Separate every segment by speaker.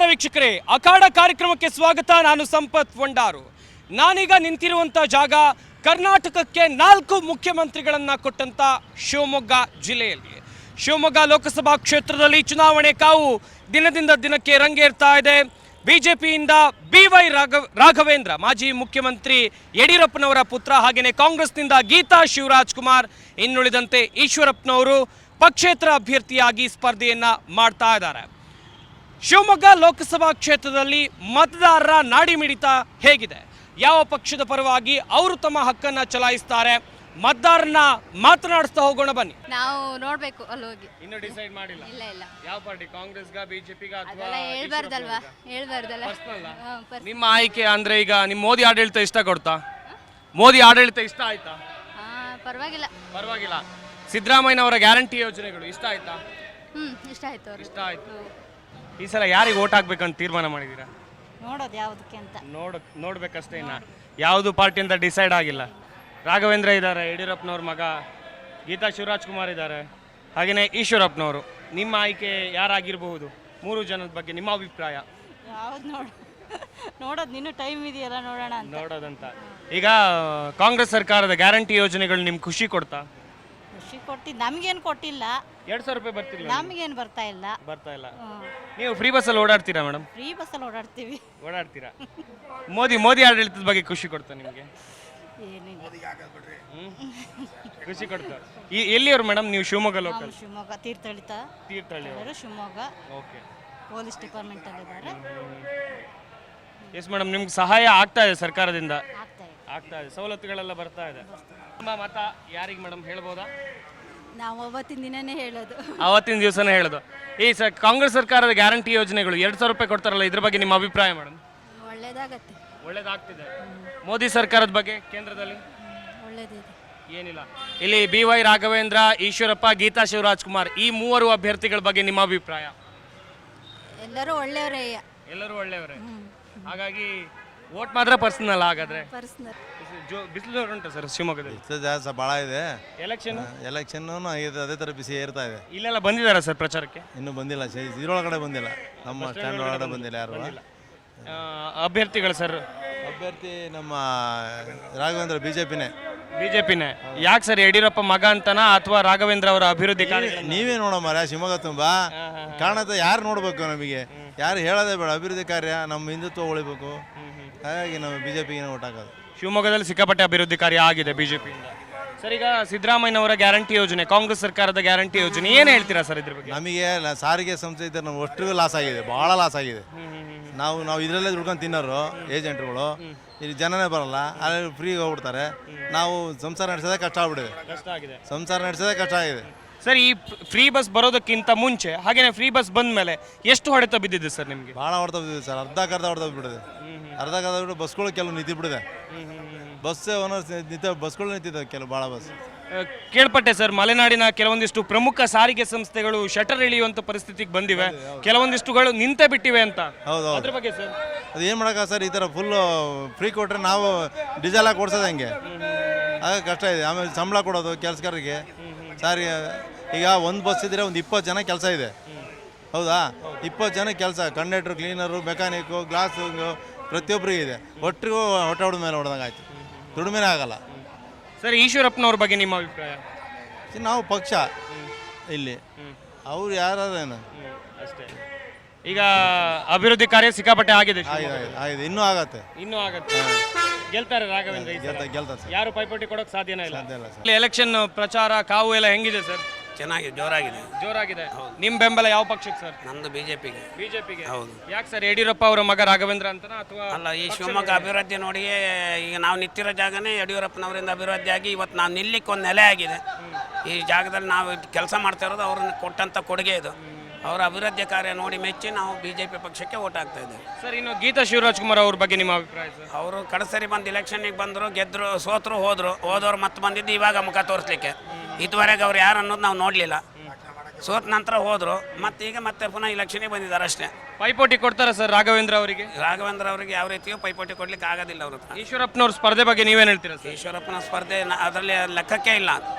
Speaker 1: ವೀಕ್ಷಕರೇ, ಅಖಾಡ ಕಾರ್ಯಕ್ರಮಕ್ಕೆ ಸ್ವಾಗತ. ನಾನು ಸಂಪತ್ ವಂಡಾರು. ನಾನೀಗ ನಿಂತಿರುವಂಥ ಜಾಗ ಕರ್ನಾಟಕಕ್ಕೆ 4 ಮುಖ್ಯಮಂತ್ರಿಗಳನ್ನು ಕೊಟ್ಟಂಥ ಶಿವಮೊಗ್ಗ ಜಿಲ್ಲೆಯಲ್ಲಿ. ಶಿವಮೊಗ್ಗ ಲೋಕಸಭಾ ಕ್ಷೇತ್ರದಲ್ಲಿ ಚುನಾವಣೆ ಕಾವು ದಿನದಿಂದ ದಿನಕ್ಕೆ ರಂಗೇರ್ತಾ ಇದೆ. ಬಿಜೆಪಿಯಿಂದ BY ರಾಘವೇಂದ್ರ, ಮಾಜಿ ಮುಖ್ಯಮಂತ್ರಿ ಯಡಿಯೂರಪ್ಪನವರ ಪುತ್ರ, ಹಾಗೆಯೇ ಕಾಂಗ್ರೆಸ್ನಿಂದ ಗೀತಾ ಶಿವರಾಜ್ ಕುಮಾರ್, ಇನ್ನುಳಿದಂತೆ ಈಶ್ವರಪ್ಪನವರು ಪಕ್ಷೇತರ ಅಭ್ಯರ್ಥಿಯಾಗಿ ಸ್ಪರ್ಧೆಯನ್ನ ಮಾಡ್ತಾ ಇದ್ದಾರೆ. ಶಿವಮೊಗ್ಗ ಲೋಕಸಭಾ ಕ್ಷೇತ್ರದಲ್ಲಿ ಮತದಾರರ ನಾಡಿ ಮಿಡಿತ ಹೇಗಿದೆ, ಯಾವ ಪಕ್ಷದ ಪರವಾಗಿ ಅವರು ತಮ್ಮ ಹಕ್ಕನ್ನು ಚಲಾಯಿಸ್ತಾರೆ, ಮತದಾರರನ್ನ ಮಾತನಾಡಿಸ್ತಾ ಹೋಗೋಣ ಬನ್ನಿ.
Speaker 2: ನಾವು ನೋಡ್ಬೇಕು ಅಲ್ಲಿ ಹೋಗಿ.
Speaker 1: ಇನ್ನು ಡಿಸೈಡ್ ಮಾಡಿಲ್ಲ?
Speaker 2: ಇಲ್ಲ.
Speaker 1: ಯಾವ ಪಾರ್ಟಿ, ಕಾಂಗ್ರೆಸ್ಗ, ಬಿಜೆಪಿಗ ಅಥವಾ
Speaker 2: ಹೇಳ್ಬಾರ್ದಲ್ವಾ?
Speaker 1: ನಿಮ್ಮ ಆಯ್ಕೆ ಅಂದ್ರೆ ಈಗ ನಿಮ್ಮ ಮೋದಿ ಆಡಳಿತ ಇಷ್ಟ ಕೊಡ್ತಾ? ಮೋದಿ ಆಡಳಿತ ಇಷ್ಟ ಆಯ್ತಾ?
Speaker 2: ಪರವಾಗಿಲ್ಲ.
Speaker 1: ಸಿದ್ದರಾಮಯ್ಯ ಅವರ ಗ್ಯಾರಂಟಿ ಯೋಜನೆಗಳು ಇಷ್ಟ ಆಯ್ತಾ?
Speaker 2: ಇಷ್ಟ ಆಯ್ತು.
Speaker 1: ಈ ಸಲ ಯಾರಿಗೆ ವೋಟ್ ಹಾಕ್ಬೇಕಂತ ತೀರ್ಮಾನ ಮಾಡಿದೀರಾ?
Speaker 2: ನೋಡೋದು ಯಾವುದಕ್ಕೆ ಅಂತ
Speaker 1: ನೋಡ್ಬೇಕಷ್ಟೇ. ಇನ್ನ ಯಾವುದು ಪಾರ್ಟಿ ಅಂತ ಡಿಸೈಡ್ ಆಗಿಲ್ಲ. ರಾಘವೇಂದ್ರ ಇದ್ದಾರೆ, ಯಡಿಯೂರಪ್ಪನವ್ರ ಮಗ, ಗೀತಾ ಶಿವರಾಜ್ ಕುಮಾರ್ ಇದ್ದಾರೆ, ಹಾಗೆಯೇ ಈಶ್ವರಪ್ಪನವರು. ನಿಮ್ಮ ಆಯ್ಕೆ ಯಾರಾಗಿರಬಹುದು? 3 ಜನದ ಬಗ್ಗೆ ನಿಮ್ಮ ಅಭಿಪ್ರಾಯ
Speaker 2: ಯಾವ್ದು? ನೋಡೋದು ಇನ್ನೂ ಟೈಮ್ ಇದೆಯಲ್ಲ, ನೋಡೋದಂತ.
Speaker 1: ಈಗ ಕಾಂಗ್ರೆಸ್ ಸರ್ಕಾರದ ಗ್ಯಾರಂಟಿ ಯೋಜನೆಗಳು ನಿಮ್ಗೆ ಖುಷಿ ಕೊಡ್ತಾ?
Speaker 2: ಖುಷಿ ಕೊಟ್ಟಿದ್ದು ನಮ್ಗೇನು ಕೊಟ್ಟಿಲ್ಲ.
Speaker 1: 2,000 ರೂಪಾಯಿ ಬರ್ತಿಲ್ಲ?
Speaker 2: ನಮಗೇನು ಬರ್ತಾ ಇಲ್ಲ.
Speaker 1: ನೀವು ಫ್ರೀ ಬಸ್ಸಲ್ಲಿ ಓಡಾಡ್ತೀರಾ ಮೇಡಮ್?
Speaker 2: ಫ್ರೀ ಬಸ್ಸಲ್ಲಿ
Speaker 1: ಓಡಾಡ್ತೀರಾ. ಮೋದಿ ಆಡಳಿತದ ಬಗ್ಗೆ ಖುಷಿ ಕೊಡ್ತಾ ನಿಮಗೆ?
Speaker 2: ಏನಿಲ್ಲ,
Speaker 1: ಖುಷಿ ಕೊಡ್ತಾ. ಎಲ್ಲಿಯವರು ಮೇಡಮ್ ನೀವು? Shivamogga local?
Speaker 2: Shivamogga Thirthahalli. Shivamogga.
Speaker 1: Okay.
Speaker 2: Police department ಅಲ್ಲಿ ಇದ್ದಾರೆ.
Speaker 1: ಎಸ್ ಮೇಡಮ್, ನಿಮ್ಗೆ ಸಹಾಯ ಆಗ್ತಾ ಇದೆ ಸರ್ಕಾರದಿಂದ? ಆಗ್ತಾ ಇದೆ, ಸವಲತ್ತುಗಳೆಲ್ಲ ಬರ್ತಾ ಇದೆ. ನಿಮ್ಮ ಮತ ಯಾರಿಗೆ ಮೇಡಮ್ ಹೇಳ್ಬೋದಾ?
Speaker 2: ನಾವು
Speaker 1: ಅವತ್ತಿನ ದಿವಸನೇ ಹೇಳೋದು. ಈ ಕಾಂಗ್ರೆಸ್ ಸರ್ಕಾರದ ಗ್ಯಾರಂಟಿ ಯೋಜನೆಗಳು 2,000 ರೂಪಾಯಿ ಕೊಡ್ತಾರಲ್ಲ, ಇದ್ರ ಬಗ್ಗೆ ನಿಮ್ಮ ಅಭಿಪ್ರಾಯ ಮೇಡಮ್? ಒಳ್ಳೇದಾಗ್ತಿದೆ. ಮೋದಿ ಸರ್ಕಾರದ ಬಗ್ಗೆ ಕೇಂದ್ರದಲ್ಲಿ ಏನಿಲ್ಲ. ಇಲ್ಲಿ BY ರಾಘವೇಂದ್ರ, ಈಶ್ವರಪ್ಪ, ಗೀತಾ ಶಿವರಾಜ್ ಕುಮಾರ್, ಈ 3 ಅಭ್ಯರ್ಥಿಗಳ ಬಗ್ಗೆ ನಿಮ್ಮ ಅಭಿಪ್ರಾಯ?
Speaker 2: ಎಲ್ಲರೂ
Speaker 1: ಒಳ್ಳೆಯವರೇ. ಹಾಗಾಗಿ ವೋಟ್ ಮಾತ್ರ ಪರ್ಸನಲ್. ಹಾಗಾದ್ರೆ ಬಿಸಿಲು ಉಂಟು ಸರ್ ಶಿವಮೊಗ್ಗದಲ್ಲಿ?
Speaker 3: ಜಾಸ್ತಿ ಭಾಳ ಇದೆ.
Speaker 1: ಎಲೆಕ್ಷನ್
Speaker 3: ಅದೇ ಥರ ಬಿಸಿ ಏರ್ತಾ ಇದೆ.
Speaker 1: ಇಲ್ಲೆಲ್ಲ ಬಂದಿದ್ದಾರೆ ಸರ್ ಪ್ರಚಾರಕ್ಕೆ?
Speaker 3: ಇನ್ನೂ ಬಂದಿಲ್ಲ, ಇದ್ರೊಳಗಡೆ ಬಂದಿಲ್ಲ, ನಮ್ಮ ಸ್ಟ್ಯಾಂಡ್ ಒಳಗಡೆ ಬಂದಿಲ್ಲ ಯಾರು.
Speaker 1: ಅಭ್ಯರ್ಥಿಗಳು ಸರ್?
Speaker 3: ಅಭ್ಯರ್ಥಿ ನಮ್ಮ ರಾಘವೇಂದ್ರ, ಬಿಜೆಪಿನೇ.
Speaker 1: ಯಾಕೆ ಸರ್, ಯಡಿಯೂರಪ್ಪ ಮಗ ಅಂತನಾ ಅಥವಾ ರಾಘವೇಂದ್ರ ಅವರ ಅಭಿವೃದ್ಧಿ ಕಾರ್ಯ?
Speaker 3: ನೀವೇ ನೋಡಮ್ಮ, ಶಿವಮೊಗ್ಗ ತುಂಬಾ ಕಾಣುತ್ತೆ. ಯಾರು ನೋಡ್ಬೇಕು? ನಮಗೆ ಯಾರು ಹೇಳೋದೇ ಬೇಡ. ಅಭಿವೃದ್ಧಿ ಕಾರ್ಯ, ನಮ್ಮ ಹಿಂದುತ್ವ ಉಳಿಬೇಕು. ಹಾಗಾಗಿ ನಾವು ಬಿಜೆಪಿಗೆ ಓಟ್ ಹಾಕೋದು.
Speaker 1: ಶಿವಮೊಗ್ಗದಲ್ಲಿ ಸಿಕ್ಕಾಪಟ್ಟೆ ಅಭಿವೃದ್ಧಿ ಕಾರ್ಯ ಆಗಿದೆ ಬಿಜೆಪಿಯಿಂದ. ಸರ್, ಈಗ ಸಿದ್ದರಾಮಯ್ಯನವರ ಗ್ಯಾರಂಟಿ ಯೋಜನೆ, ಕಾಂಗ್ರೆಸ್ ಸರ್ಕಾರದ ಗ್ಯಾರಂಟಿ ಯೋಜನೆ, ಏನು ಹೇಳ್ತೀರಾ ಸರ್ ಇದ್ರ ಬಗ್ಗೆ?
Speaker 3: ನಮಗೆ ಸಾರಿಗೆ ಸಂಸ್ಥೆ ಇದ್ದರೆ ನಾವು ಅಷ್ಟು ಲಾಸ್ ಆಗಿದೆ, ಭಾಳ ಲಾಸ್ ಆಗಿದೆ. ನಾವು ಇದರಲ್ಲೇ ದುಡ್ಕೊಂಡು ತಿನ್ನೋರು ಏಜೆಂಟ್ರುಗಳು. ಇಲ್ಲಿ ಜನನೇ ಬರಲ್ಲ, ಅಲ್ಲಿ ಫ್ರೀ ಹೋಗ್ಬಿಡ್ತಾರೆ. ನಾವು ಸಂಸಾರ ನಡೆಸೋದೇ ಕಷ್ಟ ಆಗಿದೆ.
Speaker 1: ಸರ್, ಈ ಫ್ರೀ ಬಸ್ ಬರೋದಕ್ಕಿಂತ ಮುಂಚೆ ಹಾಗೇನೆ ಫ್ರೀ ಬಸ್ ಬಂದ ಮೇಲೆ ಎಷ್ಟು ಹೊಡೆತ ಬಿದ್ದಿದೆ ಸರ್ ನಿಮಗೆ?
Speaker 3: ಭಾಳ ಹೊಡೆತ ಬಿದ್ದಿದೆ ಸರ್. ಅರ್ಧ ಹೊಡೆತ ಬಿಟ್ಟಿದೆ. ಬಸ್ಗಳು ಕೆಲವು ನಿಂತು ಬಿಡಿದೆ. ಬಸ್ಗಳು ನಿಂತಿದ್ದಾವೆ ಕೆಲವು, ಭಾಳ ಬಸ್.
Speaker 1: ಕೇಳ್ಪಟ್ಟೆ ಸರ್, ಮಲೆನಾಡಿನ ಕೆಲವೊಂದಿಷ್ಟು ಪ್ರಮುಖ ಸಾರಿಗೆ ಸಂಸ್ಥೆಗಳು ಶಟರ್ ಇಳಿಯುವಂತ ಪರಿಸ್ಥಿತಿಗೆ ಬಂದಿವೆ, ಕೆಲವೊಂದಿಷ್ಟುಗಳು ನಿಂತೇ ಬಿಟ್ಟಿವೆ ಅಂತ.
Speaker 3: ಹೌದು.
Speaker 1: ಅದ್ರ ಬಗ್ಗೆ ಸರ್
Speaker 3: ಅದು ಏನು ಮಾಡೋಕ್ಕ ಸರ್? ಈ ಥರ ಫುಲ್ ಫ್ರೀ ಕೊಟ್ಟರೆ ನಾವು ಡೀಸೆಲ್ ಹಾಕಿ ಓಡಿಸೋದು ಹೆಂಗೆ? ಆಗ ಕಷ್ಟ ಇದೆ. ಆಮೇಲೆ ಸಂಬಳ ಕೊಡೋದು ಕೆಲಸಗಾರರಿಗೆ. ಸಾರಿಗೆ ಈಗ ಒಂದು ಬಸ್ ಇದ್ದರೆ ಒಂದು 20 ಜನ ಕೆಲಸ ಇದೆ. ಹೌದಾ? 20 ಜನ ಕೆಲಸ, ಕಂಡಕ್ಟ್ರು, ಕ್ಲೀನರು, ಮೆಕ್ಯಾನಿಕ್ಕು, ಗ್ಲಾಸು, ಪ್ರತಿಯೊಬ್ಬರಿಗೆ ಇದೆ. ಒಟ್ಟಿಗೂ ಹೊಟ್ಟೆ ಹೊಡೆದ ಮೇಲೆ ಹೊಡೆದಂಗೆ ಆಯ್ತು. ದುಡಿಮೆನೇ ಆಗಲ್ಲ.
Speaker 1: ಸರ್, ಈಶ್ವರಪ್ಪನವ್ರ ಬಗ್ಗೆ ನಿಮ್ಮ ಅಭಿಪ್ರಾಯ?
Speaker 3: ನಾವು ಪಕ್ಷ ಇಲ್ಲಿ, ಅವ್ರು ಯಾರೇನು
Speaker 1: ಅಷ್ಟೇ. ಈಗ ಅಭಿವೃದ್ಧಿ ಕಾರ್ಯ ಸಿಕ್ಕಾಪಟ್ಟೆ ಆಗಿದೆ,
Speaker 3: ಇನ್ನೂ ಆಗತ್ತೆ.
Speaker 1: ಗೆಲ್ತಾರೆ ರಾಘವೇಂದ್ರ?
Speaker 3: ಗೆಲ್ತಾರೆ.
Speaker 1: ಯಾರು ಪೈಪೋಟಿ ಕೊಡೋಕೆ ಸಾಧ್ಯನೇ ಇಲ್ಲ. ಎಲೆಕ್ಷನ್ ಪ್ರಚಾರ ಕಾವು ಎಲ್ಲ ಹೆಂಗಿದೆ ಸರ್?
Speaker 4: ಚೆನ್ನಾಗಿದೆ, ಜೋರಾಗಿದೆ.
Speaker 1: ನಿಮ್ಮ ಬೆಂಬಲ ಯಾವ ಪಕ್ಷಕ್ಕೆ ಸರ್?
Speaker 4: ನಮ್ದು ಬಿಜೆಪಿಗೆ.
Speaker 1: ಹೌದು. ಯಾಕೆ ಸರ್, ಯಡಿಯೂರಪ್ಪ ಅವರ ಮಗ ರಾಘವೇಂದ್ರ ಅಂತನಾ ಅಥವಾ?
Speaker 4: ಅಲ್ಲ, ಈ ಶಿವಮೊಗ್ಗ ಅಭಿವೃದ್ಧಿ ನೋಡಿ, ಈಗ ನಾವು ನಿಂತಿರೋ ಜಾಗನೇ ಯಡಿಯೂರಪ್ಪನವರಿಂದ ಅಭಿವೃದ್ಧಿ ಆಗಿ ಇವತ್ತು ನಾವು ನಿಲ್ಲಿಕ್ಕೆ ಒಂದು ನೆಲೆ ಆಗಿದೆ. ಈ ಜಾಗದಲ್ಲಿ ನಾವು ಕೆಲಸ ಮಾಡ್ತಾ ಇರೋದು ಅವ್ರನ್ನ ಕೊಟ್ಟಂಥ ಕೊಡುಗೆ ಇದು. ಅವರ ಅಭಿವೃದ್ಧಿ ಕಾರ್ಯ ನೋಡಿ ಮೆಚ್ಚಿ ನಾವು ಬಿಜೆಪಿ ಪಕ್ಷಕ್ಕೆ ವೋಟ್ ಹಾಕ್ತಾ ಇದ್ದೇವೆ
Speaker 1: ಸರ್. ಇನ್ನು ಗೀತಾ ಶಿವರಾಜ್ ಕುಮಾರ್ ಅವ್ರ ಬಗ್ಗೆ ನಿಮ್ಮ ಅಭಿಪ್ರಾಯ ಸರ್?
Speaker 4: ಅವರು ಕಡಸರಿ ಬಂದು ಇಲೆಕ್ಷನ್ಗೆ ಬಂದರು, ಗೆದ್ದರು, ಸೋತರು, ಹೋದವ್ರು ಮತ್ತೆ ಬಂದಿದ್ದು ಇವಾಗ ಮುಖ ತೋರಿಸ್ಲಿಕ್ಕೆ. ಇದುವರೆಗೆ ಅವ್ರು ಯಾರು ಅನ್ನೋದು ನಾವು ನೋಡಲಿಲ್ಲ. ಸೋತ ನಂತರ ಹೋದರು, ಮತ್ತೆ ಪುನಃ ಇಲೆಕ್ಷನ್ಗೆ ಬಂದಿದ್ದಾರೆ ಅಷ್ಟೇ.
Speaker 1: ಪೈಪೋಟಿ ಕೊಡ್ತಾರೆ ಸರ್ ರಾಘವೇಂದ್ರ ಅವರಿಗೆ?
Speaker 4: ರಾಘವೇಂದ್ರ ಅವರಿಗೆ ಯಾವ ರೀತಿಯೂ ಪೈಪೋಟಿ ಕೊಡ್ಲಿಕ್ಕೆ ಆಗೋದಿಲ್ಲ. ಅವರು
Speaker 1: ಈಶ್ವರಪ್ಪನವ್ರ ಸ್ಪರ್ಧೆ ಬಗ್ಗೆ ನೀವೇನು ಹೇಳ್ತೀರಾ ಸರ್?
Speaker 4: ಈಶ್ವರಪ್ಪನ ಸ್ಪರ್ಧೆ ಅದರಲ್ಲಿ ಲೆಕ್ಕಕ್ಕೆ ಇಲ್ಲ.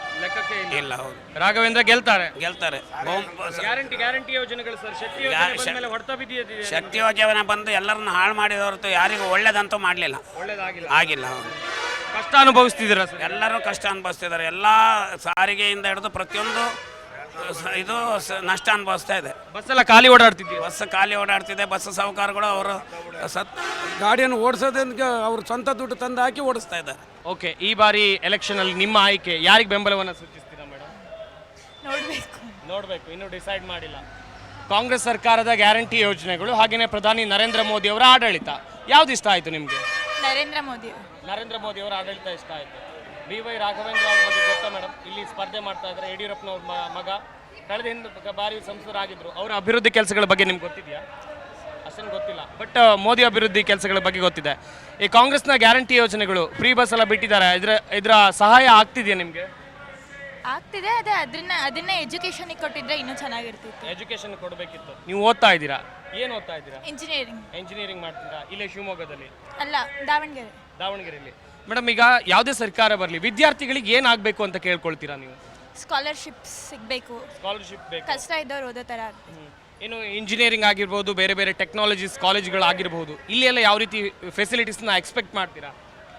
Speaker 1: ಲೆಕ್ಕಕ್ಕೆ
Speaker 4: ಇಲ್ಲ. ಹೌದು,
Speaker 1: ರಾಘವೇಂದ್ರ ಗೆಲ್ತಾರೆ.
Speaker 4: ಗೆಲ್ತಾರೆ.
Speaker 1: ಗ್ಯಾರಂಟಿ ಯೋಜನೆಗಳು ಸರ್, ಶಕ್ತಿ ಯೋಜನೆ ಬಂದ್ಮೇಲೆ ಹೊಡೆತ ಬಿದ್ದಿದೆ.
Speaker 4: ಶಕ್ತಿ ಯೋಜನೆ ಬಂದು ಎಲ್ಲರನ್ನ ಹಾಳು ಮಾಡಿದ ಹೊರತು ಯಾರಿಗೂ ಒಳ್ಳೇದಂತೂ ಮಾಡಲಿಲ್ಲ,
Speaker 1: ಒಳ್ಳೇದಾಗಿಲ್ಲ.
Speaker 4: ಆಗಿಲ್ಲ. ಹೌದು,
Speaker 1: ಕಷ್ಟ ಅನುಭವಿಸ್ತಿದ್ದೀರಾ ಸರ್?
Speaker 4: ಎಲ್ಲರೂ ಕಷ್ಟ ಅನುಭವಿಸ್ತಿದ್ದಾರೆ. ಎಲ್ಲ ಸಾರಿಗೆಯಿಂದ ಹಿಡಿದು ಪ್ರತಿಯೊಂದು ಇದು ನಷ್ಟ ಅನುಭವಿಸ್ತಾ ಇದೆ.
Speaker 1: ಬಸ್ ಎಲ್ಲ ಖಾಲಿ ಓಡಾಡ್ತಿದ್ದೀವಿ.
Speaker 4: ಬಸ್ ಖಾಲಿ ಓಡಾಡ್ತಿದೆ. ಬಸ್ ಸಾಹುಕಾರಗಳು ಅವರು
Speaker 5: ಗಾಡಿಯನ್ನು ಓಡಿಸೋದಕ್ಕೆ ಅವ್ರು ಸ್ವಂತ ದುಡ್ಡು ತಂದು ಹಾಕಿ ಓಡಿಸ್ತಾ ಇದ್ದಾರೆ.
Speaker 1: ಓಕೆ, ಈ ಬಾರಿ ಎಲೆಕ್ಷನ್ ಅಲ್ಲಿ ನಿಮ್ಮ ಆಯ್ಕೆ ಯಾರಿಗೆ ಬೆಂಬಲವನ್ನು ಸೂಚಿಸ್ತೀರಾ ಮೇಡಮ್? ನೋಡಬೇಕು, ಇನ್ನೂ ಡಿಸೈಡ್ ಮಾಡಿಲ್ಲ. ಕಾಂಗ್ರೆಸ್ ಸರ್ಕಾರದ ಗ್ಯಾರಂಟಿ ಯೋಜನೆಗಳು ಹಾಗೆಯೇ ಪ್ರಧಾನಿ ನರೇಂದ್ರ ಮೋದಿ ಅವರ ಆಡಳಿತ ಯಾವ್ದು ಇಷ್ಟ ಆಯಿತು ನಿಮಗೆ?
Speaker 2: ನರೇಂದ್ರ ಮೋದಿ.
Speaker 1: ನರೇಂದ್ರ ಮೋದಿ ಅವರ ಆಡಳಿತ ಇಷ್ಟ ಆಯಿತು. BY ರಾಘವೇಂದ್ರ ಅವ್ರ ಬಗ್ಗೆ ಗೊತ್ತಾ ಮೇಡಮ್? ಇಲ್ಲಿ ಸ್ಪರ್ಧೆ ಮಾಡ್ತಾ ಇದ್ದಾರೆ. ಯಡಿಯೂರಪ್ಪನವ್ರ ಮಗ ಕಳೆದ ಬಾರಿ ಸಂಸದರಾಗಿದ್ರು. ಅವರ ಅಭಿವೃದ್ಧಿ ಕೆಲಸಗಳ ಬಗ್ಗೆ ನಿಮ್ಗೆ ಗೊತ್ತಿದೆಯಾ? ಅಷ್ಟೇನು ಗೊತ್ತಿಲ್ಲ, ಬಟ್ ಮೋದಿ ಅಭಿವೃದ್ಧಿ ಕೆಲಸಗಳ ಬಗ್ಗೆ ಗೊತ್ತಿದೆ. ಈ ಕಾಂಗ್ರೆಸ್ನ ಗ್ಯಾರಂಟಿ ಯೋಜನೆಗಳು ಫ್ರೀ ಬಸ್ ಎಲ್ಲ ಬಿಟ್ಟಿದ್ದಾರೆ, ಇದರ ಸಹಾಯ ಆಗ್ತಿದೆಯಾ ನಿಮಗೆ?
Speaker 6: ಆಗ್ತಿದೆ. ಅದನ್ನ ಎಜುಕೇಶನಿಗೆ ಕೊಟ್ಟಿದ್ರೆ ಇನ್ನೂ ಚೆನ್ನಾಗಿರ್ತಿತ್ತು.
Speaker 1: ಎಜುಕೇಶನ್ ಕೊಡಬೇಕಿತ್ತು. ನೀವು ಓದ್ತಾ ಇದ್ದೀರಾ? ಏನು ಓದ್ತಾ ಇದ್ದೀರಾ? ಇಂಜಿನಿಯರಿಂಗ್ ಮಾಡ್ತೀರಾ? ಇಲ್ಲೇ ಶಿವಮೊಗ್ಗದಲ್ಲಿ
Speaker 6: ಅಲ್ಲ,
Speaker 1: ದಾವಣಗೆರೆಯಲ್ಲಿ. ಮೇಡಮ್, ಈಗ ಯಾವುದೇ ಸರ್ಕಾರ ಬರಲಿ, ವಿದ್ಯಾರ್ಥಿಗಳಿಗೆ ಏನಾಗಬೇಕು ಅಂತ ಕೇಳ್ಕೊಳ್ತೀರಾ ನೀವು?
Speaker 6: ಸ್ಕಾಲರ್ಶಿಪ್ಸ್ ಸಿಗಬೇಕು.
Speaker 1: ಸ್ಕಾಲರ್ಶಿಪ್ ಬೇಕು.
Speaker 6: ಕಷ್ಟ ಇದ್ದವ್ರು ಓದೋ ಥರ.
Speaker 1: ಇನ್ನು ಇಂಜಿನಿಯರಿಂಗ್ ಆಗಿರ್ಬೋದು, ಬೇರೆ ಬೇರೆ ಟೆಕ್ನಾಲಜೀಸ್ ಕಾಲೇಜ್ಗಳಾಗಿರ್ಬೋದು, ಇಲ್ಲಿ ಎಲ್ಲ ಯಾವ ರೀತಿ ಫೆಸಿಲಿಟೀಸ್ನ ಎಕ್ಸ್ಪೆಕ್ಟ್ ಮಾಡ್ತೀರಾ?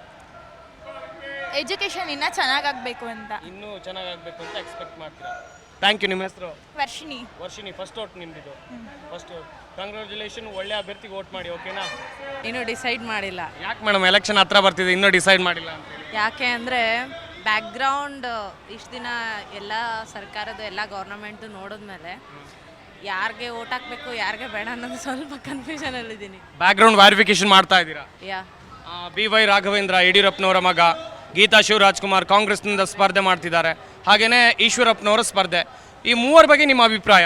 Speaker 6: ಎಜುಕೇಶನ್ ಇನ್ನೂ ಚೆನ್ನಾಗಾಗಬೇಕು ಅಂತ.
Speaker 1: ಇನ್ನೂ ಚೆನ್ನಾಗಾಗಬೇಕು ಅಂತ ಎಕ್ಸ್ಪೆಕ್ಟ್ ಮಾಡ್ತೀರಾ? Thank you. ನಿಮ್ಮ ಹೆಸರು? ವರ್ಷಿಣಿ. ಫಸ್ಟ್ ಓಟ್ ನಿಮ್ಮದು? First vote. ಕಂಗ್ರ್ಯಾಚುಲೇಷನ್. ಒಳ್ಳೆ ಅಭ್ಯರ್ಥಿಗೆ ಓಟ್ ಮಾಡಿ, ಓಕೆನಾ?
Speaker 7: ಇನ್ನೂ ಡಿಸೈಡ್ ಮಾಡಿಲ್ಲ.
Speaker 1: ಯಾಕೆ ಮೇಡಮ್, ಎಲೆಕ್ಷನ್ ಹತ್ರ ಬರ್ತಿದೆ, ಇನ್ನೂ ಡಿಸೈಡ್ ಮಾಡಿಲ್ಲ ಅಂತ?
Speaker 7: ಯಾಕೆ ಅಂದರೆ ಬ್ಯಾಕ್ಗ್ರೌಂಡ್ ಇಷ್ಟು ದಿನ ಎಲ್ಲ ಸರ್ಕಾರದ ಎಲ್ಲ ಗೌರ್ನಮೆಂಟು ನೋಡಿದ್ಮೇಲೆ ಯಾರಿಗೆ ಓಟ್ ಹಾಕಬೇಕು ಯಾರಿಗೆ ಬೇಡ ಅನ್ನೋದು ಸ್ವಲ್ಪ ಕನ್ಫ್ಯೂಷನಲ್ಲಿದ್ದೀನಿ.
Speaker 1: ಬ್ಯಾಕ್ಗ್ರೌಂಡ್ ವೆರಿಫಿಕೇಶನ್ ಮಾಡ್ತಾ ಇದ್ದೀರಾ?
Speaker 7: ಯಾ.
Speaker 1: BY ರಾಘವೇಂದ್ರ ಯಡಿಯೂರಪ್ಪನವರ ಮಗ, ಗೀತಾ ಶಿವರಾಜ್ಕುಮಾರ್ ಕಾಂಗ್ರೆಸ್ನಿಂದ ಸ್ಪರ್ಧೆ ಮಾಡ್ತಿದ್ದಾರೆ, ಹಾಗೆಯೇ ಈಶ್ವರಪ್ಪನವರ ಸ್ಪರ್ಧೆ. ಈ ಮೂವರ ಬಗ್ಗೆ ನಿಮ್ಮ ಅಭಿಪ್ರಾಯ?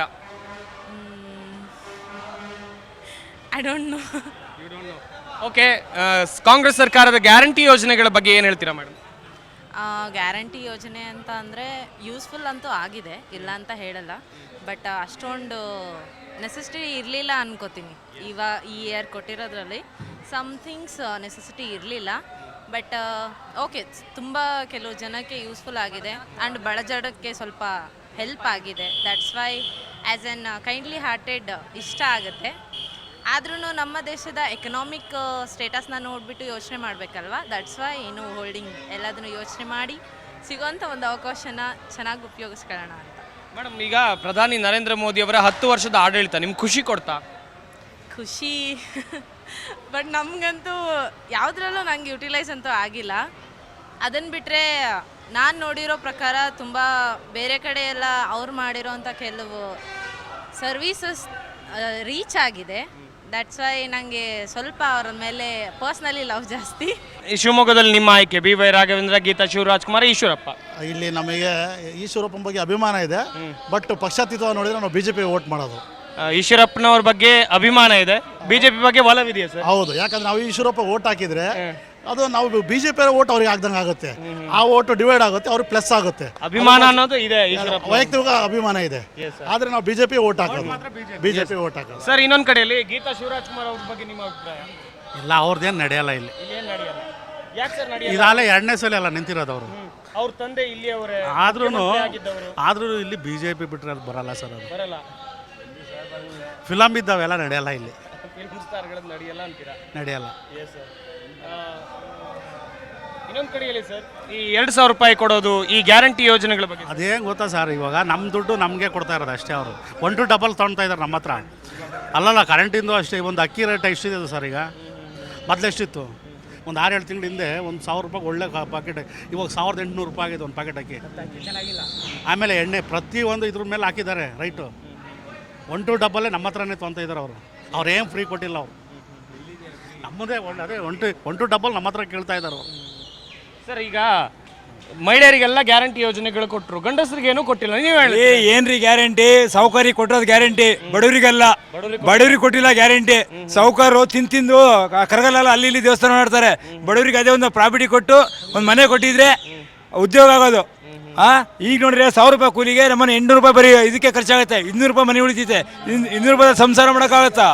Speaker 7: I don't know.
Speaker 1: Okay, Congress ಸರ್ಕಾರದ ಗ್ಯಾರಂಟಿ ಯೋಜನೆಗಳ ಬಗ್ಗೆ ಏನು ಹೇಳ್ತೀರಾ ಮೇಡಮ್?
Speaker 7: ಗ್ಯಾರಂಟಿ ಯೋಜನೆ ಅಂತ ಅಂದರೆ ಯೂಸ್ಫುಲ್ ಅಂತೂ ಆಗಿದೆ, ಇಲ್ಲ ಅಂತ ಹೇಳಲ್ಲ. ಬಟ್ ಅಷ್ಟೊಂದು ನೆಸೆಸಿಟಿ ಇರಲಿಲ್ಲ ಅನ್ಕೋತೀನಿ. ಈ ಇಯರ್ ಕೊಟ್ಟಿರೋದ್ರಲ್ಲಿ ಸಮ್ಥಿಂಗ್ಸ್ ನೆಸೆಸಿಟಿ ಇರಲಿಲ್ಲ. ಬಟ್ ಓಕೆ, ತುಂಬ ಕೆಲವು ಜನಕ್ಕೆ ಯೂಸ್ಫುಲ್ ಆಗಿದೆ ಆ್ಯಂಡ್ ಬಡಜಡಕ್ಕೆ ಸ್ವಲ್ಪ ಹೆಲ್ಪ್ ಆಗಿದೆ. That's why as an kindly hearted ಇಷ್ಟ ಆಗುತ್ತೆ. ಆದ್ರೂ ನಮ್ಮ ದೇಶದ ಎಕನಾಮಿಕ್ ಸ್ಟೇಟಸ್ನ ನೋಡಿಬಿಟ್ಟು ಯೋಚನೆ ಮಾಡಬೇಕಲ್ವಾ. ದಟ್ಸ್ ವೈ ಏನು ಹೋಲ್ಡಿಂಗ್ ಎಲ್ಲದನ್ನು ಯೋಚನೆ ಮಾಡಿ ಸಿಗೋಂಥ ಒಂದು ಅವಕಾಶನ ಚೆನ್ನಾಗಿ ಉಪಯೋಗಿಸ್ಕೊಳ್ಳೋಣ ಅಂತ.
Speaker 1: ಮೇಡಮ್, ಈಗ ಪ್ರಧಾನಿ ನರೇಂದ್ರ ಮೋದಿ ಅವರ 10 ವರ್ಷದ ಆಡಳಿತ ನಿಮ್ಗೆ ಖುಷಿ ಕೊಡ್ತಾ?
Speaker 7: ಖುಷಿ ಬಟ್ ನಮಗಂತೂ ಯಾವುದ್ರಲ್ಲೂ ನಂಗೆ ಯುಟಿಲೈಸ್ ಅಂತೂ ಆಗಿಲ್ಲ. ಅದನ್ನು ಬಿಟ್ಟರೆ ನಾನು ನೋಡಿರೋ ಪ್ರಕಾರ ತುಂಬ ಬೇರೆ ಕಡೆ ಎಲ್ಲ ಅವ್ರು ಮಾಡಿರೋಂಥ ಕೆಲವು ಸರ್ವೀಸಸ್ ರೀಚ್ ಆಗಿದೆ. ದಟ್ಸ್ ವೈ ನನಗೆ ಸ್ವಲ್ಪ ಅವರ ಮೇಲೆ ಪರ್ಸ್ನಲಿ ಲವ್ ಜಾಸ್ತಿ.
Speaker 1: ಈ ಶಿವಮೊಗ್ಗದಲ್ಲಿ ನಿಮ್ಮ ಆಯ್ಕೆ BY ರಾಘವೇಂದ್ರ, ಗೀತಾ ಶಿವರಾಜ್ಕುಮಾರ್, ಈಶ್ವರಪ್ಪ.
Speaker 8: ಇಲ್ಲಿ ನಮಗೆ ಈಶ್ವರಪ್ಪನ ಬಗ್ಗೆ ಅಭಿಮಾನ ಇದೆ, ಬಟ್ ಪಕ್ಷಾತೀತ ನೋಡಿದ್ರೆ ನಾವು BJP ವೋಟ್ ಮಾಡೋದು.
Speaker 1: ಈಶ್ವರಪ್ಪನವ್ರ ಬಗ್ಗೆ ಅಭಿಮಾನ ಇದೆ, BJP ಬಗ್ಗೆ ಒಲವಿದೆಯಾ ಸರ್?
Speaker 8: ಹೌದು, ಯಾಕಂದ್ರೆ ನಾವು ಈಶ್ವರಪ್ಪ ವೋಟ್ ಹಾಕಿದ್ರೆ ಅದು ನಾವು BJP ವೋಟ್ ಅವ್ರಿಗೆ ಆಗ್ದಂಗೆ ಆಗುತ್ತೆ. ಆ ವೋಟ್ ಡಿವೈಡ್ ಆಗುತ್ತೆ, ಅವ್ರಿಗೆ ಪ್ಲಸ್ ಆಗುತ್ತೆ.
Speaker 1: ಅಭಿಮಾನ ಅನ್ನೋದು ಇದೆ,
Speaker 8: ವೈಯಕ್ತಿಕ ಅಭಿಮಾನ ಇದೆ. ಆದ್ರೆ ನಾವು BJP ವೋಟ್ ಹಾಕೋದು, BJP ವೋಟ್ ಹಾಕೋದು.
Speaker 1: ಸರ್, ಇನ್ನೊಂದು ಕಡೆಯಲ್ಲಿ ಗೀತಾ ಶಿವರಾಜ್ಕುಮಾರ್ ಅವ್ರ ಬಗ್ಗೆ ನಿಮ್ಮ ಅಭಿಪ್ರಾಯ?
Speaker 9: ಇಲ್ಲ, ಅವ್ರದ್ದೇನು ನಡೆಯಲ್ಲ ಇಲ್ಲಿ.
Speaker 1: ಇಲ್ಲೇನು ನಡೆಯಲ್ಲ? ಯಾಕೆ ಸರ್ ನಡೆಯಲ್ಲ?
Speaker 9: ಇದಾಗಲೇ 2ನೇ ಸಲ ಅಲ್ಲ ನಿಂತಿರೋದು ಅವರು.
Speaker 1: ಅವ್ರ ತಂದೆ ಇಲ್ಲಿ ಅವರೇ
Speaker 9: ಆದ್ರೂ ಇಲ್ಲಿ BJP ಬಿಟ್ಟರೆ ಅದು ಬರಲ್ಲ ಸರ್. ಅದು
Speaker 1: ಬರಲ್ಲ.
Speaker 9: ಫಿಲಮ್ ಇದ್ದಾವೆಲ್ಲ ನಡೆಯಲ್ಲ ಇಲ್ಲಿ.
Speaker 1: ಫಿಲ್ಮ್ ಸ್ಟಾರ್ಗಳದ್ದು ನಡೆಯಲ್ಲ ಅಂತೀರಾ?
Speaker 9: ನಡೆಯಲ್ಲ.
Speaker 1: Yes sir. ಇನ್ನೊಂದು ಕಡೆಯಲ್ಲಿ ಸರ್, ಈ 2,000 ರೂಪಾಯಿ ಕೊಡೋದು, ಈ ಗ್ಯಾರಂಟಿ ಯೋಜನೆಗಳ ಬಗ್ಗೆ
Speaker 9: ಅದೇನು ಗೊತ್ತಾ ಸರ್, ಇವಾಗ ನಮ್ಮ ದುಡ್ಡು ನಮಗೆ ಕೊಡ್ತಾ ಇರೋದು ಅಷ್ಟೇ. ಅವರು 1 to 2 ತೊಗೊಳ್ತಾ ಇದ್ದಾರೆ ನಮ್ಮ ಹತ್ರ. ಅಲ್ಲಲ್ಲ, ಕರೆಂಟಿಂದು ಅಷ್ಟೇ. ಒಂದು ಅಕ್ಕಿ ರೇಟ್ ಎಷ್ಟಿದೆ ಸರ್ ಈಗ? ಮೊದಲು ಎಷ್ಟಿತ್ತು? ಒಂದು 6-7 ತಿಂಗಳ ಹಿಂದೆ 1,000 ರೂಪಾಯಿ ಒಳ್ಳೆ ಪ್ಯಾಕೆಟ್, ಇವಾಗ 1,800 ರೂಪಾಯಿ ಆಗಿದೆ ಒಂದು ಪ್ಯಾಕೆಟ್ ಅಕ್ಕಿ. ಆಮೇಲೆ ಎಣ್ಣೆ ಪ್ರತಿಯೊಂದು ಇದ್ರ ಮೇಲೆ ಹಾಕಿದ್ದಾರೆ ರೈಟು. 1 to 2 ನಮ್ಮ ಹತ್ರನೇ ತೊಗೊತಾ ಇದ್ದಾರೆ ಅವರು. ಅವ್ರೇನು ಫ್ರೀ ಕೊಟ್ಟಿಲ್ಲ ಅವರು. ನಮ್ಮದೇ ಅದೇ 1 to 2 ನಮ್ಮ ಹತ್ರ ಕೇಳ್ತಾ ಇದ್ದಾರೆ ಅವರು.
Speaker 1: ಸರ್, ಈಗ ಮಹಿಳೆಯರಿಗೆಲ್ಲ ಗ್ಯಾರಂಟಿ ಯೋಜನೆಗಳು ಕೊಟ್ಟರು, ಗಂಡಸರಿಗೆ ಏನೂ ಕೊಟ್ಟಿಲ್ಲ. ನೀವು ಹೇಳಿ
Speaker 5: ಏನ್ರಿ ಗ್ಯಾರಂಟಿ? ಸೌಕರ್ಯ ಕೊಟ್ಟೋದು ಗ್ಯಾರಂಟಿ, ಬಡವರಿಗಲ್ಲ. ಬಡವರಿಗೆ ಕೊಟ್ಟಿಲ್ಲ ಗ್ಯಾರಂಟಿ. ಸೌಕರ್ಯ ತಿಂದು ಕರಗಲ್ಲ, ಅಲ್ಲಿ ಇಲ್ಲಿ ದೇವಸ್ಥಾನ ಮಾಡ್ತಾರೆ. ಬಡವರಿಗೆ ಅದೇ ಒಂದು ಪ್ರಾಪರ್ಟಿ ಕೊಟ್ಟು ಒಂದು ಮನೆ ಕೊಟ್ಟಿದ್ರೆ ಉದ್ಯೋಗ ಆಗೋದು. ಈಗ ನೋಡ್ರಿ 1,000 ರೂಪಾಯಿ ಕೂಲಿಗೆ ನಮ್ಮನೆ 800 ರೂಪಾಯಿ ಬರೀ ಇದಕ್ಕೆ ಖರ್ಚಾಗುತ್ತೆ. 200 ರೂಪಾಯಿ ಮನೆ ಉಳಿತೈತೆ. 200 ರೂಪಾಯಿ ಸಂಸಾರ ಮಾಡೋಕ್ಕಾಗತ್ತಾ?